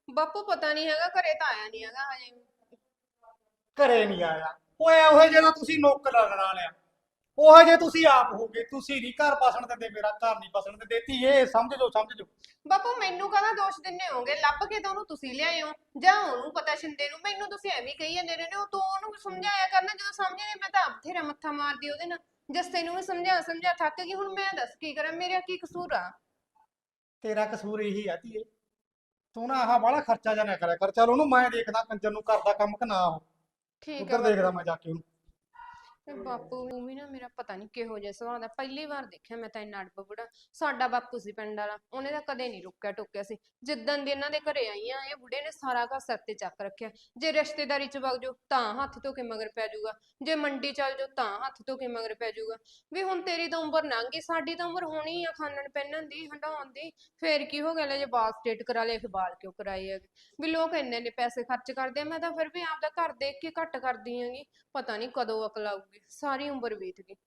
[SPEAKER 4] ਬਾਪੂ ਪਤਾ ਨਹੀਂ ਹੈਗਾ, ਘਰੇ ਤਾਂ ਆਇਆ ਨਹੀਂ ਹੈਗਾ ਹਜੇ।
[SPEAKER 1] ਘਰੇ ਨਹੀਂ ਆਇਆ। ਓਏ ਉਹ ਜਿਹੜਾ ਤੁਸੀਂ ਨੌਕਰ ਲੜਾ ਲਿਆ, ਉਹ ਜੇ ਤੁਸੀਂ ਆਪ ਹੋਗੇ। ਤੁਸੀਂ ਨਹੀਂ ਘਰ ਬਸਣ ਦਿੰਦੇ, ਮੇਰਾ ਘਰ ਨਹੀਂ ਬਸਣ ਦਿੰਦੇ। ਧੀਏ ਸਮਝ ਜਾਓ, ਸਮਝ ਜਾਓ।
[SPEAKER 4] ਬਾਪੂ ਮੈਨੂੰ ਕਾਹਦਾ ਦੋਸ਼ ਦਿੰਨੇ ਹੋਗੇ? ਲੱਭ ਕੇ ਤਾਂ ਉਹਨੂੰ ਤੁਸੀਂ ਲਿਆਏ ਹੋ, ਜਾਂ ਉਹਨੂੰ ਪਤਾ ਸ਼ਿੰਦੇ ਨੂੰ। ਮੈਨੂੰ ਤੁਸੀਂ ਐਵੇਂ ਹੀ ਕਹੀ ਜਾਂਦੇ ਰਹੇ ਨੇ। ਉਹ ਤੂੰ ਉਹਨੂੰ ਸਮਝਾਇਆ ਕਰਨਾ, ਜਦੋਂ ਸਮਝੇ ਨਹੀਂ। ਮੈਂ ਤਾਂ ਆਪ ਬਥੇਰਾ ਮੱਥਾ ਮਾਰਦੀ ਉਹਦੇ ਨਾਲ। ਜੱਸੇ ਨੂੰ ਵੀ ਸਮਝਾ ਥੱਕ ਗਈ। ਹੁਣ ਮੈਂ ਦੱਸ ਕੀ ਕਰਾਂ, ਮੇਰਾ ਕੀ ਕਸੂਰ ਆ?
[SPEAKER 1] ਤੇਰਾ ਕਸੂਰ ਇਹੀ ਆ ਧੀਏ, ਤੂੰ ਨਾ ਆਹ ਬਾਹਲਾ ਖਰਚਾ ਜਾਂ ਨਾ ਕਰਿਆ ਕਰ। ਚੱਲ ਉਹਨੂੰ ਮੈਂ ਦੇਖਦਾ ਕੰਜਰ ਨੂੰ ਕਰਦਾ ਕੰਮ ਕਿ ਨਾ। ਉਹ
[SPEAKER 4] ਠੀਕ ਆ
[SPEAKER 1] ਉੱਧਰ ਦੇਖਦਾ ਮੈਂ ਜਾ ਕੇ ਉਹਨੂੰ।
[SPEAKER 4] ਬਾਪੂ ਨੂੰ ਵੀ ਨਾ ਮੇਰਾ ਪਤਾ ਨਹੀਂ ਕਿਹੋ ਜਿਹਾ ਸੁਭਾਅ ਦਾ। ਪਹਿਲੀ ਵਾਰ ਦੇਖਿਆ ਮੈਂ ਤਾਂ ਇੰਨਾ ਅੜਬ ਬੁੜਾ। ਸਾਡਾ ਬਾਪੂ ਸੀ ਪਿੰਡ ਵਾਲਾ, ਉਹਨੇ ਤਾਂ ਕਦੇ ਨਹੀਂ ਰੁਕਿਆ ਟੋਕਿਆ ਸੀ। ਜਿੱਦਣ ਦੀ ਇਹਨਾਂ ਦੇ ਘਰੇ ਆਈ ਆ, ਇਹ ਬੁੜੇ ਨੇ ਸਾਰਾ ਘਰ ਸਿਰ ਤੇ ਚੱਕ ਰੱਖਿਆ। ਜੇ ਰਿਸ਼ਤੇਦਾਰੀ ਚ ਵਗ ਜਾਓ ਤਾਂ ਹੱਥ ਧੋ ਕੇ ਮਗਰ ਪੈ ਜਾਊਗਾ, ਜੇ ਮੰਡੀ ਚੱਲ ਜਾਓ ਤਾਂ ਹੱਥ ਧੋ ਕੇ ਮਗਰ ਪੈ ਜਾਊਗਾ। ਵੀ ਹੁਣ ਤੇਰੀ ਤਾਂ ਉਮਰ ਲੰਘ ਗਈ, ਸਾਡੀ ਤਾਂ ਉਮਰ ਹੋਣੀ ਆ ਖਾਣਨ ਪਹਿਨਣ ਦੀ, ਹੰਡਾਉਣ ਦੀ। ਫੇਰ ਕੀ ਹੋ ਗਿਆ, ਲੈ ਜੇ ਬਾਲ ਸਟੇਟ ਕਰਾ ਲਏ, ਫਿਰ ਬਾਲ ਕਿਉਂ ਕਰਾਏ ਹੈਗੇ? ਵੀ ਲੋਕ ਇੰਨੇ ਨੇ ਪੈਸੇ ਖਰਚ ਕਰਦੇ ਆ, ਮੈਂ ਤਾਂ ਫਿਰ ਵੀ ਆਪਦਾ ਘਰ ਦੇਖ ਕੇ ਘੱਟ ਕਰਦੀ ਹੈਗੀ। ਪਤਾ ਨਹੀਂ ਕਦੋਂ ਅਕਲ ਆਊਗੀ, ਸਾਰੀ ਉਮਰ ਬੀਤ ਗਈ।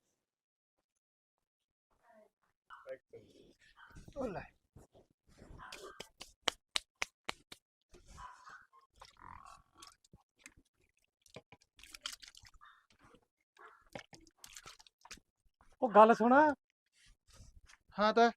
[SPEAKER 1] ਉਹ ਲੈ ਉਹ ਗੱਲ ਸੁਣ।
[SPEAKER 3] ਹਾਂ ਤਾਂ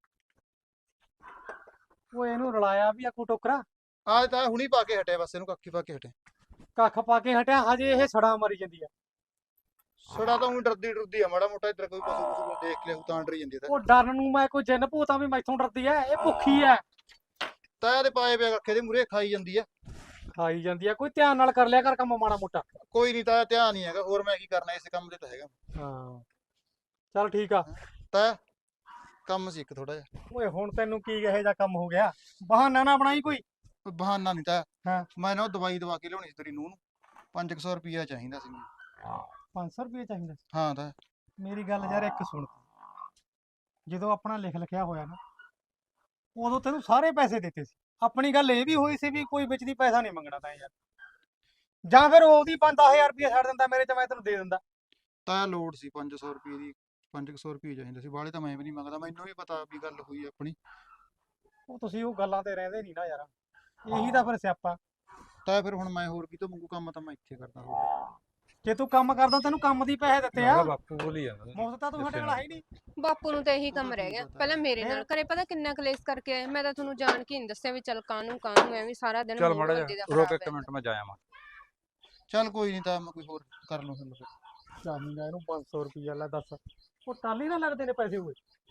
[SPEAKER 1] ਉਹ ਇਹਨੂੰ ਰਲਾਇਆ ਵੀ ਆ ਕੋ ਟੋਕਰਾ,
[SPEAKER 3] ਆਜ ਤਾਂ ਹੁਣੀ ਪਾ ਕੇ ਹਟਿਆ, ਬਸ ਇਹਨੂੰ ਕੱਖੀ ਪਾ ਕੇ ਹਟਿਆ।
[SPEAKER 1] ਕੱਖ ਪਾ ਕੇ ਹਟਿਆ, ਹਜੇ ਇਹ ਸੜਾ ਮਰੀ ਜਾਂਦੀ ਆ।
[SPEAKER 3] ਛੜਾ ਤਾਂ ਉਹੀ ਡਰਦੀ ਆ ਮਾੜਾ ਮੋਟਾ। ਇੱਧਰ ਕੋਈ ਪਸ਼ੂ ਪਸ਼ੂ ਦੇਖ ਲਿਆ ਤਾਂ ਡਰੀ ਜਾਂਦੀ।
[SPEAKER 1] ਉਹ ਡਰਨ ਨੂੰ ਮੈਂ ਕੋਈ ਜਿੰਨ ਭੂਤਾਂ ਵੀ ਮੈਥੋਂ ਡਰਦੀ ਐ। ਇਹ ਭੁੱਖੀ ਐ,
[SPEAKER 3] ਤਾਇਆ ਦੇ ਪਾਏ ਪਿਆ ਕੱਖੇ ਦੇ ਮੂਰੇ ਖਾਈ ਜਾਂਦੀ ਆ।
[SPEAKER 1] ਖਾਈ ਜਾਂਦੀ ਆ। ਕੋਈ ਧਿਆਨ ਨਾਲ ਕਰ ਲਿਆ ਕਰ ਕੰਮ ਮਾੜਾ ਮੋਟਾ।
[SPEAKER 3] ਕੋਈ ਨਹੀਂ ਤਾਇਆ, ਧਿਆਨ ਨਹੀਂ ਹੈਗਾ। ਹੋਰ ਮੈਂ ਕੀ ਕਰਨਾ, ਇਸੇ ਕੰਮ ਦੇ ਤਾਂ ਹੈਗਾ।
[SPEAKER 1] ਹਾਂ ਚੱਲ ਠੀਕ ਆ।
[SPEAKER 3] ਤਾਇਆ ਕੰਮ ਸੀ ਇੱਕ ਥੋੜਾ ਜਿਹਾ।
[SPEAKER 1] ਓਏ ਹੁਣ ਤੈਨੂੰ ਕੀ ਇਹੋ ਜਿਹਾ ਕੰਮ ਹੋ ਗਿਆ? ਬਹਾਨਾ ਨਾ ਬਣਾਈ ਕੋਈ।
[SPEAKER 3] ਕੋਈ ਬਹਾਨਾ ਨਹੀਂ ਤਾਇਆ।
[SPEAKER 1] ਹਾਂ।
[SPEAKER 3] ਮੈਂ ਨਾ ਉਹ ਦਵਾਈ ਦਵਾ ਕੇ ਲਿਆਉਣੀ ਸੀ ਤੇਰੀ ਨੂੰਹ ਨੂੰ। 500 ਰੁਪਇਆ ਚਾਹੀਦਾ ਸੀ ਮੈਨੂੰ।
[SPEAKER 1] 500 ਰੁਪਏ ਚਾਹੀਦਾ ਸੀ?
[SPEAKER 3] ਹਾਂ ਤਾਇਆ।
[SPEAKER 1] ਮੇਰੀ ਗੱਲ ਯਾਰ ਇੱਕ ਸੁਣ। ਜਦੋਂ ਆਪਣਾ ਲਿਖ ਲਿਖਿਆ ਹੋਇਆ ਨਾ, ਉਦੋਂ ਤੈਨੂੰ ਸਾਰੇ ਪੈਸੇ ਦਿੱਤੇ ਸੀ। ਆਪਣੀ ਗੱਲ ਇਹ ਵੀ ਹੋਈ ਸੀ ਵੀ ਕੋਈ ਵਿੱਚ ਦੀ ਪੈਸਾ ਨਹੀਂ ਮੰਗਣਾ ਤਾਂ ਯਾਰ। ਜਾਂ ਫਿਰ ਉਹਦੀ 5-10,000 ਰੁਪਏ ਛੱਡ ਦਿੰਦਾ ਮੇਰੇ ਚ, ਮੈਂ ਤੈਨੂੰ ਦੇ ਦਿੰਦਾ।
[SPEAKER 3] ਤਾਇਆ ਲੋੜ ਸੀ 500 ਰੁਪਏ ਦੀ। 500 ਰੁਪਏ ਚਾਹੀਦਾ ਸੀ, ਬਾਹਲੇ ਤਾਂ ਮੈਂ ਵੀ ਨਹੀਂ ਮੰਗਦਾ। ਮੈਨੂੰ ਵੀ ਪਤਾ ਵੀ ਗੱਲ ਹੋਈ ਆਪਣੀ।
[SPEAKER 1] ਉਹ ਤੁਸੀਂ ਉਹ ਗੱਲਾਂ ਤੇ ਰਹਿੰਦੇ ਨਹੀਂ ਨਾ ਯਾਰ, ਇਹੀ ਤਾਂ ਫਿਰ ਸਿਆਪਾ।
[SPEAKER 3] ਤਾਇਆ ਫਿਰ ਹੁਣ ਮੈਂ ਹੋਰ ਕਿਤੋਂ ਮੰਗੂ? ਕੰਮ ਤਾਂ ਮੈਂ ਇੱਥੇ ਕਰਦਾ ਹੋਰ।
[SPEAKER 1] ਜੇ ਤੂੰ ਕੰਮ ਕਰਦਾ ਤੈਨੂੰ ਕੰਮ ਦੀ ਪੈਸੇ ਦਿੱਤੇ ਆ।
[SPEAKER 2] ਬਾਪੂ ਬੋਲੀ ਜਾਂਦਾ
[SPEAKER 1] ਮੁਫਤ ਤਾਂ ਤੂੰ ਸਾਡੇ ਨਾਲ ਹੈ ਹੀ ਨਹੀਂ।
[SPEAKER 4] ਬਾਪੂ ਨੂੰ ਤਾਂ ਇਹੀ ਕੰਮ ਰਹਿ ਗਿਆ। ਪਹਿਲਾਂ ਮੇਰੇ ਨਾਲ ਘਰੇ ਪਤਾ ਕਿੰਨਾ ਕਲੇਸ਼ ਕਰਕੇ ਆਏ। ਮੈਂ ਤਾਂ ਤੁਹਾਨੂੰ ਜਾਣ ਕੇ ਨਹੀਂ ਦੱਸਿਆ ਵੀ ਚੱਲ ਕਾਹਨੂੰ ਐਵੇਂ ਸਾਰਾ ਦਿਨ
[SPEAKER 2] ਚੱਲ
[SPEAKER 4] ਮੂਡ
[SPEAKER 2] ਮਾੜਾ
[SPEAKER 4] ਬੰਦੇ ਦਾ
[SPEAKER 2] ਜਿਹਾ ਰੁਕ
[SPEAKER 4] ਖਰਾਬ
[SPEAKER 2] ਇੱਕ ਮਿੰਟ, ਮੈਂ ਜਾ ਆਵਾਂ।
[SPEAKER 3] ਚੱਲ ਕੋਈ ਨਹੀਂ ਤਾਇਆ, ਮੈਂ ਕੋਈ ਹੋਰ ਕਰ ਲਵਾਂ ਫਿਰ।
[SPEAKER 1] ਚਾਹੀਦਾ ਇਹਨੂੰ 500 ਰੁਪਇਆ। ਲੈ ਦੱਸ, ਉਹ ਟਾਲੀ ਨਾ ਲੱਗਦੇ ਨੇ ਪੈਸੇ।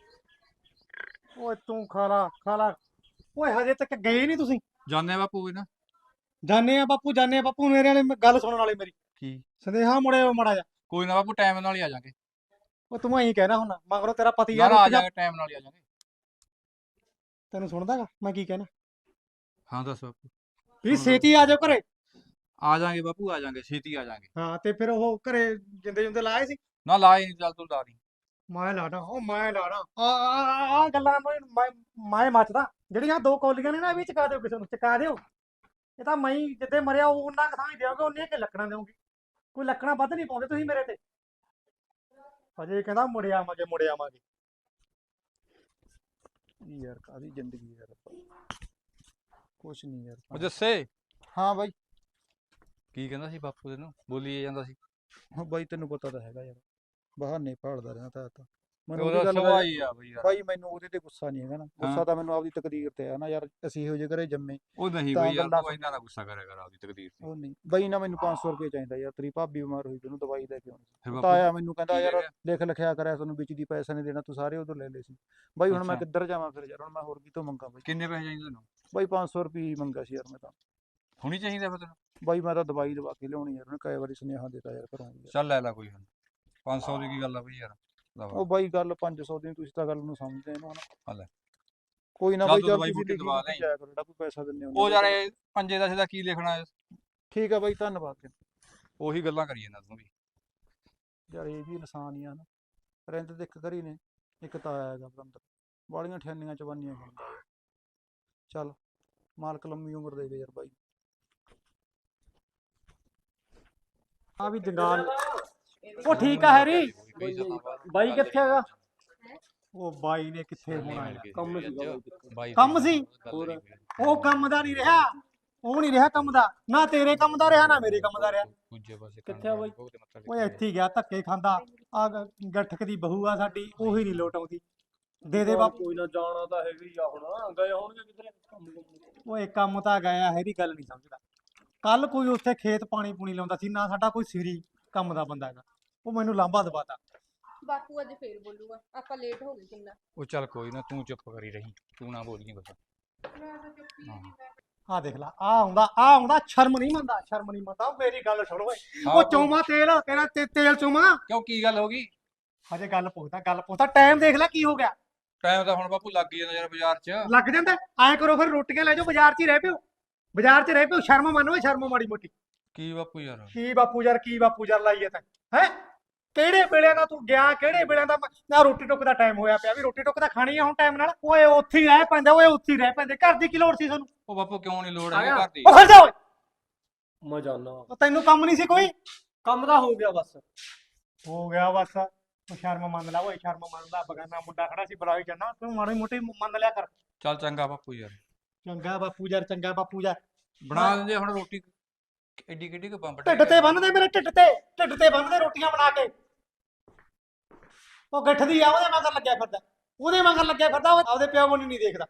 [SPEAKER 1] ਓਏ ਤੂੰ ਖਾ ਲਾ। ਓਏ ਹਜੇ ਤੱਕ ਗਏ ਨਹੀਂ ਤੁਸੀਂ?
[SPEAKER 2] ਜਾਣੇ ਬਾਪੂ ਵੀ ਨਾ।
[SPEAKER 1] ਜਾਣੇ ਆ ਬਾਪੂ। ਮੇਰੇ ਵਾਲੇ ਗੱਲ ਸੁਣਨ ਵਾਲੇ ਮੇਰੀ।
[SPEAKER 2] ਕੀ?
[SPEAKER 1] ਸੰਦੇਹਾ ਮੁੜਿਓ ਮਾੜਾ ਜਾ।
[SPEAKER 2] ਕੋਈ ਨਾ ਬਾਪੂ, ਟਾਈਮ ਨਾਲ ਹੀ ਆ ਜਾਾਂਗੇ।
[SPEAKER 1] ਉਹ ਤੂੰ ਐਂ ਕਹਿਣਾ ਹੁਣ, ਮਗਰੋਂ ਤੇਰਾ ਪਤੀ
[SPEAKER 2] ਨਾ
[SPEAKER 1] ਯਾਰ
[SPEAKER 2] ਨਾ ਆ
[SPEAKER 1] ਉੱਠ ਜਾ।
[SPEAKER 2] ਜਾਾਂਗੇ, ਟਾਈਮ ਨਾਲ ਹੀ ਆ ਜਾਾਂਗੇ।
[SPEAKER 1] ਤੈਨੂੰ ਸੁਣਦਾਗਾ ਮੈਂ ਕੀ ਕਹਿਣਾ?
[SPEAKER 2] ਹਾਂ ਦੱਸ ਬਾਪੂ।
[SPEAKER 1] ਵੀ ਛੇਤੀ ਆ ਜਾਓ ਘਰੇ।
[SPEAKER 2] ਆ ਜਾਾਂਗੇ ਬਾਪੂ, ਆ ਜਾਾਂਗੇ, ਛੇਤੀ ਆ ਜਾਾਂਗੇ।
[SPEAKER 1] ਹਾਂ ਤੇ ਫਿਰ ਉਹ ਘਰੇ ਜਿੰਦੇ ਜੁੰਦੇ ਲਾਏ ਸੀ?
[SPEAKER 2] ਨਾ ਲਾਏ ਨਹੀਂ, ਚੱਲ ਤੂੰ ਲਾ ਦੀ।
[SPEAKER 1] ਮੈਂ ਲਾਣਾ ਆ ਗੱਲਾਂ ਮੈਂ ਮੱਚਦਾ। ਜਿਹੜੀਆਂ 2 ਕੌਲੀਆਂ ਨੇ ਨਾ, ਇਹ ਵੀ ਚਕਾ ਦਿਓ ਕਿਸੇ ਨੂੰ, ਚਕਾ ਦਿਓ। ਇਹ ਤਾਂ ਮੈਂ ਜਿੱਦੇ ਮਰਿਆ ਉਹਨਾਂ ਕੁ ਥਾਂ ਹੀ ਦਿਓਗੇ, ਉਹਨੀਆਂ ਕਿ ਲੱਕੜਾਂ ਦਿਓਗੇ। ਕੋਈ ਲੱਕੜਾਂ ਵੱਧ ਨਹੀਂ ਪਾਉਂਦੇ ਤੁਸੀਂ ਮੇਰੇ ਤੇ। ਅਜੇ ਕਹਿੰਦਾ ਮੁੜ ਆਵਾਂਗੇ।
[SPEAKER 3] ਯਾਰ ਕਾਹਦੀ ਜ਼ਿੰਦਗੀ ਯਾਰ, ਕੁਛ ਨਹੀਂ ਯਾਰ।
[SPEAKER 2] ਉਹ ਜੱਸੇ
[SPEAKER 3] ਹਾਂ ਬਾਈ।
[SPEAKER 2] ਕੀ ਕਹਿੰਦਾ ਸੀ ਬਾਪੂ ਤੈਨੂੰ? ਬੋਲੀ ਜਾਂਦਾ ਸੀ।
[SPEAKER 3] ਹਾਂ ਬਾਈ, ਤੈਨੂੰ ਪਤਾ ਤਾਂ ਹੈਗਾ ਯਾਰ, ਬਹਾਨੇ ਭਾਲਦਾ ਰਹਿੰਦਾ ਤਾਂ ਮੈਨੂੰ
[SPEAKER 2] ਉਹਦਾ
[SPEAKER 3] ਉਹਦੀ ਗੱਲ
[SPEAKER 2] ਸੁਭਾਅ
[SPEAKER 3] ਦਾ
[SPEAKER 2] ਹੀ ਆ ਬਈ ਯਾਰ।
[SPEAKER 3] ਬਾਈ, ਮੈਨੂੰ ਉਹਦੇ ਤੇ ਗੁੱਸਾ ਨਹੀਂ ਹੈਗਾ ਨਾ। ਗੁੱਸਾ
[SPEAKER 2] ਹਾਂ।
[SPEAKER 3] ਤਾਂ ਮੈਨੂੰ ਆਪਦੀ ਤਕਦੀਰ ਤੇ ਆ ਨਾ ਯਾਰ। ਅਸੀਂ ਇਹੋ ਜਿਹੇ ਘਰੇ ਜੰਮੇ।
[SPEAKER 2] ਉਹ ਨਹੀਂ
[SPEAKER 3] ਤਾਂ
[SPEAKER 2] ਬਈ ਯਾਰ,
[SPEAKER 3] ਗੱਲਾਂ
[SPEAKER 2] ਤੂੰ ਇੰਨਾ ਨਾ ਗੁੱਸਾ ਕਰਿਆ ਕਰ ਆਪਦੀ ਤਕਦੀਰ ਤੇ।
[SPEAKER 3] ਉਹ ਨਹੀਂ ਬਾਈ, ਨਾ ਮੈਨੂੰ 500 ਰੁਪਏ ਚਾਹੀਦਾ ਯਾਰ। ਤੇਰੀ ਭਾਬੀ ਬਿਮਾਰ ਹੋਈ, ਤੈਨੂੰ ਦਵਾਈ ਲੈ ਕੇ ਆਉਣੀ ਸੀ।
[SPEAKER 2] ਫਿਰ
[SPEAKER 3] ਤਾਂ
[SPEAKER 2] ਬਾਪੂ
[SPEAKER 3] ਆਇਆ ਮੈਨੂੰ ਕਹਿੰਦਾ
[SPEAKER 2] ਕੀ
[SPEAKER 3] ਯਾਰ
[SPEAKER 2] ਕਹਿ ਰਿਹਾ?
[SPEAKER 3] ਲਿਖ ਲਿਖਿਆ ਕਰਿਆ, ਤੁਹਾਨੂੰ ਵਿੱਚ ਦੀ ਪੈਸਾ ਨਹੀਂ ਦੇਣਾ, ਤੂੰ ਸਾਰੇ ਉਧਰ ਲੈ ਲਏ ਸੀ। ਬਾਈ ਹੁਣ ਮੈਂ
[SPEAKER 2] ਅੱਛਾ।
[SPEAKER 3] ਕਿੱਧਰ ਜਾਵਾਂ ਫਿਰ ਯਾਰ? ਹੁਣ ਮੈਂ ਹੋਰ ਕਿਤੋਂ ਮੰਗਾ ਬਾਈ?
[SPEAKER 2] ਕਿੰਨੇ ਪੈਸੇ ਚਾਹੀਦੇ ਤੈਨੂੰ?
[SPEAKER 3] ਬਾਈ 500 ਰੁਪਏ ਹੀ ਮੰਗਾ ਸੀ ਯਾਰ ਮੈਂ ਤਾਂ।
[SPEAKER 2] ਹੁਣੀ ਚਾਹੀਦਾ ਫਿਰ ਤੈਨੂੰ?
[SPEAKER 3] ਬਾਈ ਮੈਂ ਤਾਂ ਦਵਾਈ ਦਵਾ ਕੇ ਲਿਆਉਣੀ ਯਾਰ। ਉਹਨੇ ਕਈ ਵਾਰੀ ਸੁਨੇਹਾ ਦਿੱਤਾ ਯਾਰ ਘਰੋਂ ਯਾਰ।
[SPEAKER 2] ਚੱਲ ਲੈ ਲੈ ਕੋਈ ਹੁਣ। 500 ਦੀ ਕੀ ਗੱਲ ਆ ਬਈ ਯਾਰ।
[SPEAKER 3] ਉਹ ਬਾਈ ਗੱਲ 500 ਦੀ, ਤੁਸੀਂ ਤਾਂ ਗੱਲ ਨੂੰ ਸਮਝਦੇ ਇਹਨੂੰ
[SPEAKER 2] ਹਾਂ
[SPEAKER 3] ਹਨਾ।
[SPEAKER 2] ਲੈ।
[SPEAKER 3] ਕੋਈ ਨਾ
[SPEAKER 2] ਚੱਲ
[SPEAKER 3] ਬਾਈ,
[SPEAKER 2] ਤੂੰ
[SPEAKER 3] ਚੱਲ
[SPEAKER 2] ਦਵਾਈ
[SPEAKER 3] ਤੁਸੀਂ
[SPEAKER 2] ਬੂਟੀ
[SPEAKER 3] ਲਿਖੀ
[SPEAKER 2] ਦਵਾ
[SPEAKER 3] ਲਿਖੀ
[SPEAKER 2] ਲੈ।
[SPEAKER 3] ਜਾਇਆ ਕਰੋ, ਜਿਹੜਾ ਕੋਈ ਪੈਸਾ ਦਿੰਦੇ
[SPEAKER 2] ਉਹ ਯਾਰ ਇਹ ਪੰਜੇ ਦਾ ਸਿੱਧਾ ਕੀ ਲਿਖਣਾ ਹੈ?
[SPEAKER 3] ਠੀਕ ਆ ਬਾਈ, ਧੰਨਵਾਦ।
[SPEAKER 2] ਉਹੀ ਗੱਲਾਂ ਕਰੀ ਜਾਂਦਾ ਤੂੰ ਵੀ।
[SPEAKER 3] ਯਾਰ ਇਹ ਵੀ ਇਨਸਾਨ ਹੀ ਆ ਨਾ। ਰਹਿੰਦੇ ਤੇ ਇੱਕ ਘਰ ਹੀ ਨੇ, ਇੱਕ ਤਾਂ ਆਇਆ ਹੈਗਾ ਬੰਦਰ। ਬਾਲੀਆਂ ਠਿਆਨੀਆਂ ਚਵਾਨੀਆਂ ਬਣਦਾ ਯਾਰ। ਚੱਲ ਮਾਲਕ ਲੰਮੀ ਉਮਰ ਦੇ ਯਾਰ ਬਾਈ।
[SPEAKER 1] ਆ ਵੀ ਜੰਗਾਲ। ਉਹ ਠੀਕ ਆ ਹੈਰੀ। ਬਾਈ ਕਿੱਥੇ ਹੈਗਾ? ਉਹ ਬਾਈ ਨੇ ਕਿੱਥੇ ਹੋਣਾ ਯਾਰ, ਕੰਮ ਸੀ। ਉਹ ਕੰਮ ਦਾ ਨਹੀਂ ਰਿਹਾ। ਉਹ ਨਹੀਂ ਰਿਹਾ ਕੰਮ ਦਾ, ਨਾ ਤੇਰੇ ਕੰਮ ਦਾ ਰਿਹਾ ਨਾ ਮੇਰੇ ਕੰਮ ਦਾ ਰਿਹਾ।
[SPEAKER 2] ਦੂਜੇ ਪਾਸੇ
[SPEAKER 6] ਕਿੱਥੇ ਆ ਬਾਈ?
[SPEAKER 1] ਓਏ ਇੱਥੇ ਹੀ ਗਿਆ ਧੱਕੇ ਖਾਂਦਾ। ਆ ਗੱਠਕ ਦੀ ਬਹੂ ਆ ਸਾਡੀ, ਉਹੀ ਨਹੀਂ ਲੋਟ ਆਉਂਦੀ। ਦੇ ਦੇ ਬਾਪੂ।
[SPEAKER 6] ਕੋਈ ਨਾ, ਜਾਣਾ ਤਾਂ ਹੈਗਾ ਹੀ ਆ, ਹੁਣ ਗਏ ਹੋਣਗੇ ਕਿਧਰੇ ਕੰਮ ਕੁੰਮ।
[SPEAKER 1] ਓਏ ਕੰਮ ਤਾਂ ਗਿਆ ਹੈਰੀ, ਗੱਲ ਨਹੀਂ ਸਮਝਦਾ। ਕੱਲ ਕੋਈ ਉੱਥੇ ਖੇਤ ਪਾਣੀ ਪੂਣੀ ਲਾਉਂਦਾ ਸੀ, ਨਾ ਸਾਡਾ ਕੋਈ ਸਿਰੀ ਕੰਮ ਦਾ ਬੰਦਾ ਹੈਗਾ, ਉਹ ਮੈਨੂੰ ਲਾਂਭਾ ਦਵਾਤਾ।
[SPEAKER 4] ਬਾਪੂ ਅੱਜ ਫੇਰ ਬੋਲੂਗਾ, ਆਪਾਂ ਲੇਟ ਹੋ ਗਏ ਕਿੰਨਾ।
[SPEAKER 2] ਉਹ ਚੱਲ ਕੋਈ ਨਾ, ਤੂੰ ਚੁੱਪ ਕਰੀ ਰਹੀ, ਤੂੰ ਨਾ ਬੋਲੀ ਕੁਛ।
[SPEAKER 4] ਮੈਂ ਤਾਂ ਚੁੱਪ ਹੀ ਨਹੀਂ ਬੈਠੀ।
[SPEAKER 1] ਆ ਦੇਖ ਲਾ, ਆ ਆਉਂਦਾ ਸ਼ਰਮ ਨਹੀਂ ਮੰਨਦਾ, ਸ਼ਰਮ ਨਹੀਂ ਮੰਨਦਾ। ਮੇਰੀ ਗੱਲ ਸੁਣ ਓਏ, ਉਹ ਚੋਮਾ ਤੇਲ ਤੇਰਾ ਤੇਲ ਚੋਮਾ।
[SPEAKER 2] ਕਿਉਂ, ਕੀ ਗੱਲ ਹੋ ਗਈ?
[SPEAKER 1] ਹਜੇ ਗੱਲ ਪੁੱਛਦਾ, ਟਾਈਮ ਦੇਖ ਲੈ ਕੀ ਹੋ ਗਿਆ।
[SPEAKER 2] ਟਾਈਮ ਤਾਂ ਹੁਣ ਬਾਪੂ ਲੱਗ ਹੀ ਜਾਂਦਾ ਯਾਰ ਬਾਜ਼ਾਰ 'ਚ।
[SPEAKER 1] ਲੱਗ ਜਾਂਦਾ, ਐਂ ਕਰੋ ਫਿਰ ਰੋਟੀਆਂ ਲੈ ਜਾਓ, ਬਾਜ਼ਾਰ 'ਚ ਹੀ ਰਹਿ ਪਿਓ, ਸ਼ਰਮ ਮੰਨੋ, ਸ਼ਰਮ ਮਾੜੀ ਮੋਟੀ।
[SPEAKER 2] ਕੀ ਬਾਪੂ ਯਾਰ?
[SPEAKER 1] ਕੀ ਬਾਪੂ ਯਾਰ ਲਾਈਏ ਤਾਂ ਹੈ। ਕਿਹੜੇ ਵੇਲੇ ਦਾ ਤੂੰ ਗਿਆ, ਕਿਹੜੇ ਵੇਲੇ ਦਾ ਨਾ ਰੋਟੀ ਟੁੱਕ ਦਾ ਟਾਈਮ ਹੋਇਆ ਪਿਆ, ਵੀ ਰੋਟੀ ਟੁੱਕ ਤਾਂ ਖਾਣੀ ਆ ਹੁਣ ਟਾਈਮ ਨਾਲ। ਓਏ ਉੱਥੇ ਹੀ ਰਹਿ ਪੈਂਦੇ, ਘਰ ਦੀ ਕੀ ਲੋੜ ਸੀ ਤੁਹਾਨੂੰ?
[SPEAKER 2] ਉਹ ਬਾਪੂ ਕਿਉਂ ਨਹੀਂ ਲੋੜ ਹੈਗੀ ਘਰ ਦੀ?
[SPEAKER 1] ਉਹ ਖੜ ਜਾ ਓਏ,
[SPEAKER 6] ਮੈਂ ਜਾਣਾ,
[SPEAKER 1] ਉਹ ਤੈਨੂੰ ਕੰਮ ਨਹੀਂ ਸੀ ਕੋਈ?
[SPEAKER 6] ਕੰਮ ਤਾਂ ਹੋ ਗਿਆ ਬਸ।
[SPEAKER 1] ਹੋ ਗਿਆ ਬਸ। ਤੂੰ ਸ਼ਰਮ ਮੰਨ ਲੈ ਓਏ, ਸ਼ਰਮ ਮੰਨ ਲੈ। ਬਗਾਨਾ ਮੁੰਡਾ ਖੜਾ ਸੀ, ਬੁਲਾਈ ਜਾਣਾ, ਤੂੰ ਮਾੜੀ ਮੋਟੀ ਮੰਨ ਲਿਆ ਕਰ।
[SPEAKER 2] ਚੱਲ ਚੰਗਾ ਬਾਪੂ ਯਾਰ।
[SPEAKER 1] ਚੰਗਾ ਬਾਪੂ ਯਾਰ।
[SPEAKER 2] ਬਣਾ ਦਿੰਦੇ ਹੁਣ ਰੋਟੀ, ਐਡੀ ਕਿੱਡੀ ਕੁ ਬੰਬ
[SPEAKER 1] ਢਿੱਡ ਤੇ ਬੰਨਦੇ, ਮੇਰੇ ਢਿੱਡ ਤੇ ਬੰਨਦੇ ਰੋਟੀਆਂ ਬਣਾ ਕੇ। ਉਹ ਗੱਠ ਦੀ ਆ, ਉਹਦੇ ਮਗਰ ਲੱਗਿਆ ਫਿਰਦਾ, ਉਹ ਆਪਦੇ ਪਿਓ ਨੂੰ ਨਹੀਂ ਦੇਖਦਾ।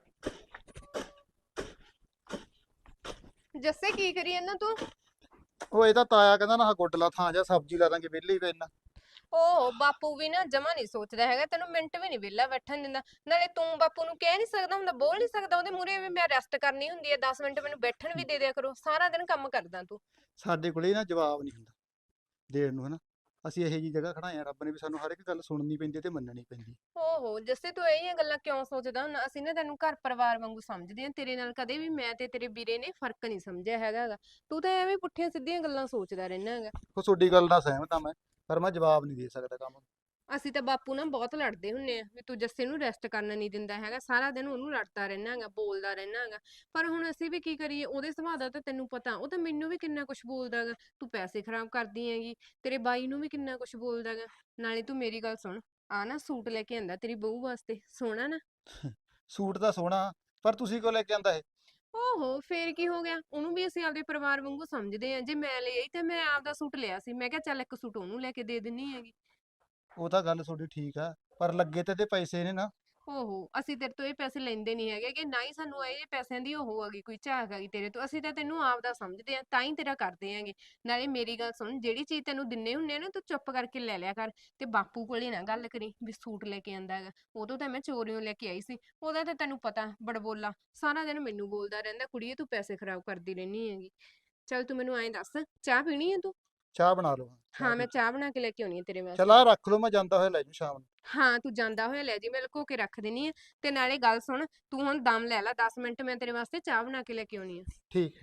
[SPEAKER 4] ਜੱਸੇ ਕੀ ਕਰੀ ਇਹਨਾਂ ਤੂੰ?
[SPEAKER 3] ਉਹ ਇਹ ਤਾਂ ਤਾਇਆ ਕਹਿੰਦਾ ਨਾ ਗੁੱਡਲਾ ਥਾਂ ਜਾਂ ਸਬਜ਼ੀ ਲਾ ਦਾਂਗੇ, ਵਿਹਲੇ ਹੀ ਪਏ ਨਾ।
[SPEAKER 4] ਓ ਬਾਪੂ ਵੀ ਨਾ ਜਮਾ ਨਹੀਂ ਸੋਚਦਾ ਹੈਗਾ, ਤੈਨੂੰ ਮਿੰਟ ਵੀ ਨਹੀਂ ਵਿਹਲਾ ਬੈਠਣ ਦਿੰਦਾ। ਨਾਲੇ ਤੂੰ ਬਾਪੂ ਨੂੰ ਕਹਿ ਨਹੀਂ ਸਕਦਾ ਹੁੰਦਾ, ਬੋਲ ਨਹੀਂ ਸਕਦਾ ਉਹਦੇ ਮੂਹਰੇ ਵੀ ਮੈਂ ਰੈਸਟ ਕਰਨੀ ਹੁੰਦੀ ਹੈ, 10 ਮਿੰਟ ਮੈਨੂੰ ਬੈਠਣ ਵੀ ਦੇ ਦਿਆ ਕਰੋ। ਸਾਰਾ ਦਿਨ ਕੰਮ ਕਰਦਾ ਤੂੰ।
[SPEAKER 3] ਸਾਡੇ ਕੋਲੇ ਨਾ ਜਵਾਬ ਨਹੀਂ ਹੁੰਦਾ ਦੇਣ ਨੂੰ, ਹਨਾ। ਅਸੀਂ ਇਹੋ ਜੀ ਜਗ੍ਹਾ ਖੜਾਏ ਆ, ਰੱਬ ਨੇ ਵੀ ਸਾਨੂੰ ਹਰ ਇੱਕ ਗੱਲ ਸੁਣਨੀ ਪੈਂਦੀ ਤੇ ਮੰਨਣੀ ਪੈਂਦੀ।
[SPEAKER 4] ਓਹੋ ਜੱਸੇ ਤੂੰ ਇਹ ਗੱਲਾਂ ਕਿਉਂ ਸੋਚਦਾ ਹੁੰਦਾ? ਅਸੀਂ ਨਾ ਤੈਨੂੰ ਘਰ ਪਰਿਵਾਰ ਵਾਂਗੂ ਸਮਝਦੇ ਆ, ਤੇਰੇ ਨਾਲ ਕਦੇ ਵੀ ਮੈਂ ਤੇ ਤੇਰੇ ਵੀਰੇ ਨੇ ਫਰਕ ਨਹੀਂ ਸਮਝਿਆ ਹੈਗਾ ਗਾ। ਤੂੰ ਤਾਂ ਐਵੇਂ ਪੁੱਠੀਆਂ ਸਿੱਧੀਆਂ ਗੱਲਾਂ ਸੋਚਦਾ ਰਹਿਣਾ ਹੈਗਾ।
[SPEAKER 3] ਉਹ ਤੁਹਾਡੀ ਗੱਲ ਨਾਲ ਸਹਿਮਤ ਆ ਮੈਂ, ਪਰ ਮੈਂ ਜਵਾਬ ਨਹੀਂ ਦੇ ਸਕਦਾ ਕੰਮ ਨੂੰ।
[SPEAKER 4] ਅਸੀਂ ਤਾਂ ਬਾਪੂ ਨਾਲ ਬਹੁਤ ਲੜਦੇ ਹੁੰਨੇ ਆ ਵੀ ਤੂੰ ਜੱਸੇ ਨੂੰ ਰੈਸਟ ਕਰਨ ਨਹੀਂ ਦਿੰਦਾ ਹੈਗਾ, ਸਾਰਾ ਦਿਨ ਉਹਨੂੰ ਲੜਦਾ ਰਹਿਣਾ ਹੈਗਾ, ਬੋਲਦਾ ਰਹਿਣਾ ਹੈਗਾ। ਪਰ ਹੁਣ ਅਸੀਂ ਵੀ ਕੀ ਕਰੀਏ, ਉਹਦੇ ਸੁਭਾਅ ਦਾ ਤਾਂ ਤੈਨੂੰ ਪਤਾ, ਉਹ ਤਾਂ ਮੈਨੂੰ ਵੀ ਕਿੰਨਾ ਕੁਝ ਬੋਲਦਾ ਹੈਗਾ। ਤੂੰ ਪੈਸੇ ਖਰਾਬ ਕਰਦੀ ਹੈਗੀ, ਤੇਰੇ ਬਾਈ ਨੂੰ ਵੀ ਕਿੰਨਾ ਕੁਝ ਬੋਲਦਾ ਹੈਗਾ। ਨਾਲੇ ਤੂੰ ਮੇਰੀ ਗੱਲ ਸੁਣ, ਆ ਨਾ ਸੂਟ ਲੈ ਕੇ ਆਂਦਾ ਤੇਰੀ ਬਹੂ ਵਾਸਤੇ, ਸੋਹਣਾ ਨਾ?
[SPEAKER 3] ਸੂਟ ਤਾਂ ਸੋਹਣਾ, ਪਰ ਤੁਸੀਂ ਕਿਉਂ ਲੈ ਕੇ ਆਂਦਾ ਇਹ?
[SPEAKER 4] ਓਹੋ ਫੇਰ ਕੀ ਹੋ ਗਿਆ, ਉਹਨੂੰ ਵੀ ਅਸੀਂ ਆਪਦੇ ਪਰਿਵਾਰ ਵਾਂਗੂ ਸਮਝਦੇ ਆ। ਜੇ ਮੈਂ ਲੈ ਆਈ ਤੇ ਮੈਂ ਆਪਦਾ ਸੂਟ ਲਿਆ ਸੀ, ਮੈਂ ਕਿਹਾ ਚੱਲ ਇੱਕ ਸੂਟ ਉਹਨੂੰ ਲੈ ਕੇ ਦੇ ਦਿੰਨੀ ਹੈਗੀ।
[SPEAKER 3] ਉਹ ਤਾਂ ਗੱਲ ਤੁਹਾਡੀ ਠੀਕ ਆ, ਪਰ ਲੱਗੇ ਤੇ ਪੈਸੇ ਨੇ ਨਾ।
[SPEAKER 4] ਓਹੋ ਅਸੀਂ ਤੇਰੇ ਤੋਂ ਇਹ ਪੈਸੇ ਲੈਂਦੇ ਨਹੀਂ ਹੈਗੇ, ਕਿ ਨਾ ਹੀ ਸਾਨੂੰ ਇਹ ਪੈਸਿਆਂ ਦੀ ਉਹ ਹੈਗੀ ਕੋਈ ਝਾਕ ਹੈਗੀ ਤੇਰੇ ਤੋਂ। ਅਸੀਂ ਤਾਂ ਤੈਨੂੰ ਆਪਦਾ ਸਮਝਦੇ ਆ, ਤਾਂ ਹੀ ਤੇਰਾ ਕਰਦੇ ਆਂਗੇ। ਨਾਲੇ ਮੇਰੀ ਗੱਲ ਸੁਣ, ਜਿਹੜੀ ਚੀਜ਼ ਤੈਨੂੰ ਦਿੰਨੇ ਹੁੰਨੇ ਆ ਨਾ, ਤੂੰ ਚੁੱਪ ਕਰਕੇ ਲੈ ਲਿਆ ਕਰ। ਤੇ ਬਾਪੂ ਕੋਲੇ ਨਾ ਗੱਲ ਕਰੀ ਵੀ ਸੂਟ ਲੈ ਕੇ ਆਂਦਾ ਹੈਗਾ, ਉਦੋਂ ਤਾਂ ਮੈਂ ਚੋਰੀਓਂ ਲੈ ਕੇ ਆਈ ਸੀ। ਉਹਦਾ ਤਾਂ ਤੈਨੂੰ ਪਤਾ ਬੜਬੋਲਾ, ਸਾਰਾ ਦਿਨ ਮੈਨੂੰ ਬੋਲਦਾ ਰਹਿੰਦਾ, ਕੁੜੀਏ ਤੂੰ ਪੈਸੇ ਖਰਾਬ ਕਰਦੀ ਰਹਿੰਦੀ ਹੈਗੀ। ਚੱਲ ਤੂੰ ਮੈਨੂੰ ਐਂ ਦੱਸ, ਚਾਹ ਪੀਣੀ ਹੈ ਤੂੰ?
[SPEAKER 3] ਚਾਹ ਬਣਾ ਲਓ।
[SPEAKER 4] ਹਾਂ ਮੈਂ ਚਾਹ ਬਣਾ ਕੇ ਲੈ ਕੇ ਆਉਣੀ ਹੈ ਤੇਰੇ ਵਾਸਤੇ।
[SPEAKER 3] ਚਲ ਆ ਰੱਖ ਲਓ, ਮੈਂ ਜਾਂਦਾ ਹੋਇਆ ਲੈ ਜੂ ਸ਼ਾਮ ਨੂੰ।
[SPEAKER 4] ਹਾਂ ਤੂੰ ਜਾਂਦਾ ਹੋਇਆ ਲੈ ਜੀ, ਮੈਂ ਲੁਕੋ ਕੇ ਰੱਖ ਦੇਣੀ ਆ। ਤੇ ਨਾਲੇ ਗੱਲ ਸੁਣ, ਤੂੰ ਹੁਣ ਦਮ ਲੈ ਲੈ 10 ਮਿੰਟ, ਮੈਂ ਤੇਰੇ ਵਾਸਤੇ ਚਾਹ ਬਣਾ ਕੇ ਲੈ ਕੇ ਆਉਣੀ ਆ।
[SPEAKER 3] ਠੀਕ।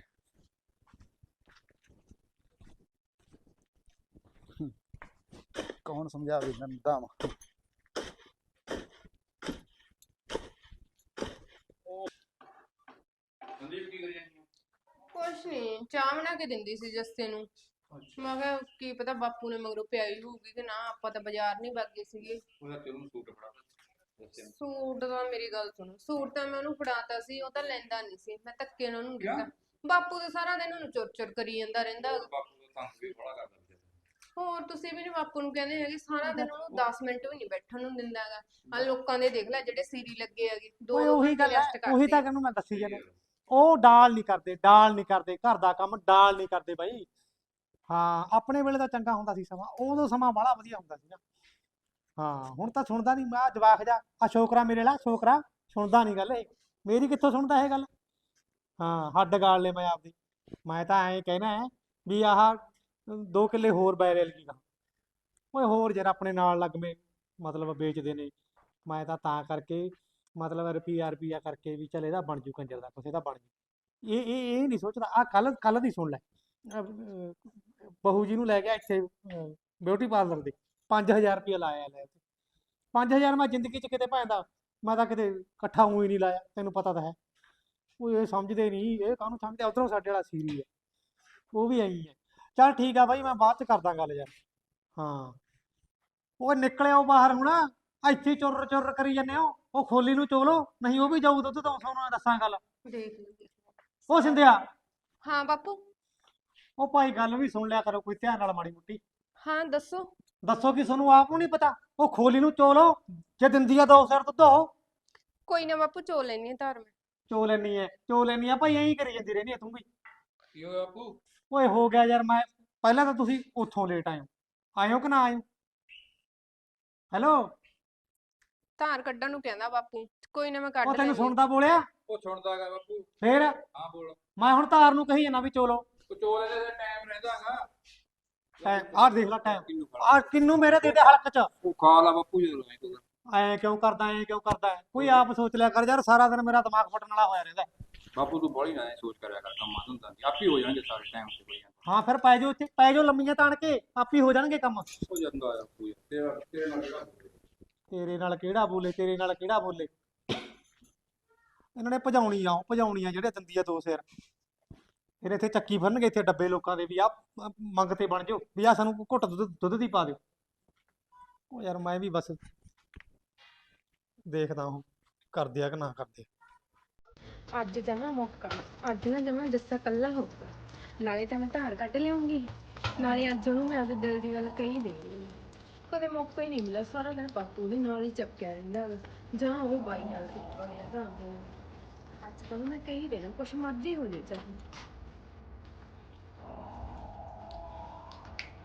[SPEAKER 3] ਕੌਣ ਸਮਝਾਵੇ ਇਹਨਾਂ ਨੂੰ ਦਾਮ।
[SPEAKER 2] ਸੰਦੀਪ ਕੀ ਕਰੀ ਜਾਂਦੀ?
[SPEAKER 4] ਕੁਛ ਨਹੀਂ, ਚਾਹ ਬਣਾ ਕੇ ਦਿੰਦੀ ਸੀ ਜੱਸੇ ਨੂੰ। ਮੈਂ ਕਿਹਾ ਕੀ ਪਤਾ ਬਾਪੂ ਨੇ ਮਗਰੋਂ ਪਿਆਈ ਹੋਊਗੀ ਕਿ ਨਾ, ਆਪਾਂ ਤਾਂ ਬਾਜ਼ਾਰ ਨਹੀਂ ਵਗ ਸੀਗੇ।
[SPEAKER 2] ਉਹਦਾ ਤੈਨੂੰ ਸੂਟ ਫੜਾ ਦੱਸਿਆ।
[SPEAKER 4] ਸੂਟ ਦਾ ਮੇਰੀ ਗੱਲ ਸੁਣ, ਸੂਟ ਤਾਂ ਮੈਂ ਉਹਨੂੰ ਫੜਾਤਾ ਸੀ, ਉਹ ਤਾਂ ਲੈਂਦਾ ਨਹੀਂ ਸੀ, ਮੈਂ ਧੱਕੇ ਨਾਲ ਉਹਨੂੰ
[SPEAKER 2] ਕਿਉਂ?
[SPEAKER 4] ਦਿੱਤਾ। ਬਾਪੂ ਤਾਂ ਸਾਰਾ ਦਿਨ ਉਹਨੂੰ ਚੁਰ ਕਰੀ ਜਾਂਦਾ ਰਹਿੰਦਾ।
[SPEAKER 2] ਬਾਪੂ ਦਾ ਤੰਗ ਵੀ ਬੜਾ ਕਰਦਾ ਵਿਚਾਰਾ।
[SPEAKER 4] ਹੋਰ ਤੁਸੀਂ ਵੀ ਨੀ ਬਾਪੂ ਨੂੰ ਕਹਿੰਦੇ ਹੈਗੇ, ਸਾਰਾ ਦਿਨ ਉਹਨੂੰ 10 ਮਿੰਟ ਵੀ ਨਹੀਂ ਬੈਠਣ ਨੂੰ ਦਿੰਦਾ ਹੈਗਾ। ਆ ਲੋਕਾਂ ਦੇ ਦੇਖ ਲੈ ਜਿਹੜੇ ਸੀਰੀ ਲੱਗੇ ਹੈਗੇ,
[SPEAKER 1] ਓਏ
[SPEAKER 4] ਦੋ
[SPEAKER 1] ਉਹੀ ਗੱਲ ਹੈ,
[SPEAKER 4] rest ਕਰਦੇ
[SPEAKER 1] ਉਹੀ ਤਾਂ ਕਹਿੰਦਾ ਮੈਂ ਦੱਸੀ ਜਾਂਦਾ। ਉਹ ਡਾਲ ਨਹੀਂ ਕਰਦੇ ਘਰ ਦਾ ਕੰਮ, ਡਾਲ ਨਹੀਂ ਕਰਦੇ ਬਾਈ। ਹਾਂ ਆਪਣੇ ਵੇਲੇ ਤਾਂ ਚੰਗਾ ਹੁੰਦਾ ਸੀ ਸਮਾਂ, ਉਦੋਂ ਸਮਾਂ ਬੜਾ ਵਧੀਆ ਹੁੰਦਾ ਸੀ ਨਾ। ਹਾਂ ਹੁਣ ਤਾਂ ਸੁਣਦਾ ਨਹੀਂ, ਮੈਂ ਜਵਾਕ ਜਾ ਆ ਛੋਕਰਾ ਮੇਰੇ ਨਾਲ, ਛੋਕਰਾ ਸੁਣਦਾ ਨਹੀਂ ਗੱਲ ਇਹ ਮੇਰੀ, ਕਿੱਥੋਂ ਸੁਣਦਾ ਇਹ ਗੱਲ। ਹਾਂ ਹੱਡ ਗਾਲ ਲੈ ਮੈਂ ਆਪਦੀ। ਮੈਂ ਤਾਂ ਐਂ ਕਹਿਣਾ ਹੈ ਵੀ ਆਹ 2 ਕਿੱਲੇ ਹੋਰ ਬੈਰੇਲ ਕੀ ਗਾ। ਓਏ ਹੋਰ ਯਾਰ ਆਪਣੇ ਨਾਲ ਲੱਗਵੇਂ ਮਤਲਬ ਵੇਚਦੇ ਨੇ। ਮੈਂ ਤਾਂ ਕਰਕੇ ਮਤਲਬ ਰੁਪਈਆ ਕਰਕੇ ਵੀ ਚੱਲ ਇਹਦਾ ਬਣ ਜੂ ਕੰਜਰ ਦਾ ਕੁਛ, ਇਹਦਾ ਬਣ ਜੂ। ਇਹ ਨਹੀਂ ਸੋਚਦਾ। ਆ ਕੱਲ ਦੀ ਸੁਣ ਲੈ, ਬਹੂ ਜੀ ਨੂੰ ਲੈ ਗਿਆ ਇੱਥੇ ਬਿਊਟੀ ਪਾਰਲਰ ਦੇ, 5000 ਰੁਪਇਆ ਲਾਇਆ ਲੈ। 5000 ਮੈਂ ਜ਼ਿੰਦਗੀ 'ਚ ਕਿਤੇ ਪੈਂਦਾ, ਮੈਂ ਤਾਂ ਕਿਤੇ ਇਕੱਠਾ ਊਂ ਹੀ ਨਹੀਂ ਲਾਇਆ, ਤੈਨੂੰ ਪਤਾ ਤਾਂ ਹੈ। ਉਹ ਇਹ ਸਮਝਦੇ ਨਹੀਂ, ਇਹ ਕਾਹਨੂੰ ਸਮਝਦੇ। ਉਧਰੋਂ ਸਾਡੇ ਵਾਲਾ ਸੀਰੀ ਹੈ, ਉਹ ਵੀ ਆਈ ਹੈ। ਚੱਲ ਠੀਕ ਆ ਬਾਈ, ਮੈਂ ਬਾਅਦ 'ਚ ਕਰਦਾ ਗੱਲ ਯਾਰ। ਹਾਂ ਉਹ ਨਿਕਲਿਓ ਬਾਹਰ ਹੁਣ, ਇੱਥੇ ਚੁਰ ਕਰੀ ਜਾਂਦੇ ਹੋ। ਉਹ ਖੋਲੀ ਨੂੰ ਚੋਲੋ, ਨਹੀਂ ਉਹ ਵੀ ਜਾਊ ਦੁੱਧ ਤੋਂ, ਤੁਹਾਨੂੰ ਦੱਸਾਂ ਗੱਲ।
[SPEAKER 4] ਦੇਖ ਲਈ।
[SPEAKER 1] ਉਹ ਸਿੰਧਿਆ
[SPEAKER 4] ਹਾਂ ਬਾਪੂ।
[SPEAKER 1] ਉਹ ਭਾਈ ਗੱਲ ਵੀ ਸੁਣ ਲਿਆ ਕਰੋ ਕੋਈ ਧਿਆਨ ਨਾਲ ਮਾੜੀ ਮੁੱਟੀ।
[SPEAKER 4] ਹਾਂ ਦੱਸੋ।
[SPEAKER 1] ਦੱਸੋ ਕਿ ਤੁਹਾਨੂੰ ਆਪ ਨੂੰ ਨਹੀਂ ਪਤਾ? ਉਹ ਖੋਲੀ ਨੂੰ ਚੋ ਲਓ, ਜੇ ਦਿੰਦੀ ਆ 2 ਸਿਰ ਦੁੱਧ ਉਹ
[SPEAKER 4] ਕੋਈ ਨਾ ਬਾਪੂ ਚੋ ਲੈਣੀ ਧਾਰ ਮੈਂ।
[SPEAKER 1] ਚੋ ਲੈਣੀ ਆ ਭਾਈ, ਐਂ ਹੀ ਕਰੀ ਜਾਂਦੀ ਰਹਿੰਦੀ ਆ ਤੂੰ ਵੀ।
[SPEAKER 2] ਕੀ ਹੋਇਆ ਬਾਪੂ?
[SPEAKER 1] ਓਏ ਹੋ ਗਿਆ ਯਾਰ, ਮੈਂ ਪਹਿਲਾਂ ਤਾਂ ਤੁਸੀਂ ਉੱਥੋਂ ਲੇਟ ਆਇਓ ਕਿ ਨਾ ਆਇਓ? ਹੈਲੋ,
[SPEAKER 4] ਧਾਰ ਕੱਢਣ ਨੂੰ ਕਹਿੰਦਾ ਬਾਪੂ, ਕੋਈ ਨਾ ਮੈਂ ਕੱਢ
[SPEAKER 1] ਉਹ ਤੈਨੂੰ
[SPEAKER 4] ਲੈਣੀ।
[SPEAKER 1] ਸੁਣਦਾ ਬੋਲਿਆ?
[SPEAKER 2] ਉਹ ਸੁਣਦਾ ਹੈਗਾ ਬਾਪੂ।
[SPEAKER 1] ਫੇਰ
[SPEAKER 2] ਹਾਂ ਬੋਲ।
[SPEAKER 1] ਮੈਂ ਹੁਣ ਤਾਰ ਨੂੰ ਕਹੀ ਜਾਂਦਾ ਵੀ ਚੋ ਲਓ।
[SPEAKER 2] ਉਹ ਚੋਲੇ ਦੇ ਟਾਈਮ ਰਹਿੰਦਾ ਹੈਗਾ।
[SPEAKER 1] ਆਹ ਦੇਖ ਲੈ ਟਾਈਮ,
[SPEAKER 2] ਕਿੰਨੂੰ
[SPEAKER 1] ਆਹ ਕਿੰਨੂੰ ਮੇਰੇ ਦੇ ਦੇ ਹਲਕ ਚ।
[SPEAKER 2] ਉਹ ਖਾ ਲਾ ਬਾਪੂ ਜਦੋਂ ਐ ਤੂੰ।
[SPEAKER 1] ਐ ਕਿਉਂ ਕਰਦਾ ਹੈ? ਕੋਈ ਆਪ ਸੋਚ ਲਿਆ ਕਰ ਯਾਰ, ਸਾਰਾ ਦਿਨ ਮੇਰਾ ਦਿਮਾਗ ਫਟਣ ਵਾਲਾ ਹੋਇਆ ਰਹਿੰਦਾ।
[SPEAKER 2] ਬਾਪੂ ਤੂੰ ਬੜੀ ਨਾ ਸੋਚ ਕਰਿਆ ਕਰ, ਕੰਮਾਂ ਧੰਦਾਂ ਦੀ ਆਪੇ ਹੋ ਜਾਣਗੇ ਸਾਰੇ ਟਾਈਮ ਤੇ ਕੋਈ।
[SPEAKER 1] ਹਾਂ ਫਿਰ ਪੈ ਜਾਓ ਇੱਥੇ, ਪੈ ਜਾਓ ਲੰਮੀਆਂ ਤਾਣ ਕੇ, ਆਪੀ ਹੋ ਜਾਣਗੇ ਕੰਮ।
[SPEAKER 2] ਹੋ ਜਾਂਦਾ ਆ ਬਾਪੂ ਯਾਰ, ਤੇਰੇ ਨਾਲ ਕਿਹੜਾ
[SPEAKER 1] ਤੇਰੇ ਨਾਲ ਕਿਹੜਾ ਬੋਲੇ? ਇਹਨਾਂ ਨੇ ਭਜਾਉਣੀ ਆ ਜਿਹੜੇ ਦੰਦੀ ਆ 2 ਸਿਰ। ਫਿਰ ਇੱਥੇ ਚੱਕੀ ਫੜਨਗੇ ਇੱਥੇ ਡੱਬੇ ਲੋਕਾਂ ਦੇ ਵੀ ਆ ਮੰਗ ਤੇ ਬਣ ਜਾਓ ਵੀ ਆ ਸਾਨੂੰ ਘੁੱਟ ਦੁੱਧ ਦੀ ਪਾ ਦਿਓ। ਉਹ ਯਾਰ ਮੈਂ ਵੀ ਬਸ ਦੇਖਦਾ ਹਾਂ ਕਰਦੇ ਆ ਕਿ ਨਾ ਕਰਦੇ।
[SPEAKER 4] ਅੱਜ ਜਮਾ ਮੌਕਾ, ਅੱਜ ਨਾ ਜਮਾ ਜੱਸਾ ਕੱਲਾ ਹੋਊਗਾ। ਨਾਲੇ ਤਾਂ ਮੈਂ ਧਾਰ ਕੱਢ ਲਿਆਉਂਗੀ, ਨਾਲੇ ਅੱਜ ਉਹਨੂੰ ਮੈਂ ਆਪਦੇ ਦਿਲ ਦੀ ਗੱਲ ਕਹੀ ਦੇਣੀ। ਕਦੇ ਮੌਕਾ ਹੀ ਨਹੀਂ ਮਿਲਿਆ, ਸਾਰਾ ਦਿਨ ਬਾਪੂ ਦੇ ਨਾਲ ਹੀ ਚਪਕਿਆ ਰਹਿੰਦਾ ਗਾ, ਜਾਂ ਉਹ ਬਾਈ ਨਾਲ ਚਪਕਿਆ ਰਹਿੰਦਾ। ਅੱਜ ਤਾਂ ਮੈਂ ਕਹੀ ਦੇਣਾ, ਕੁਛ ਮਰਜ਼ੀ ਹੋ ਜੇ ਚਾਹੇ।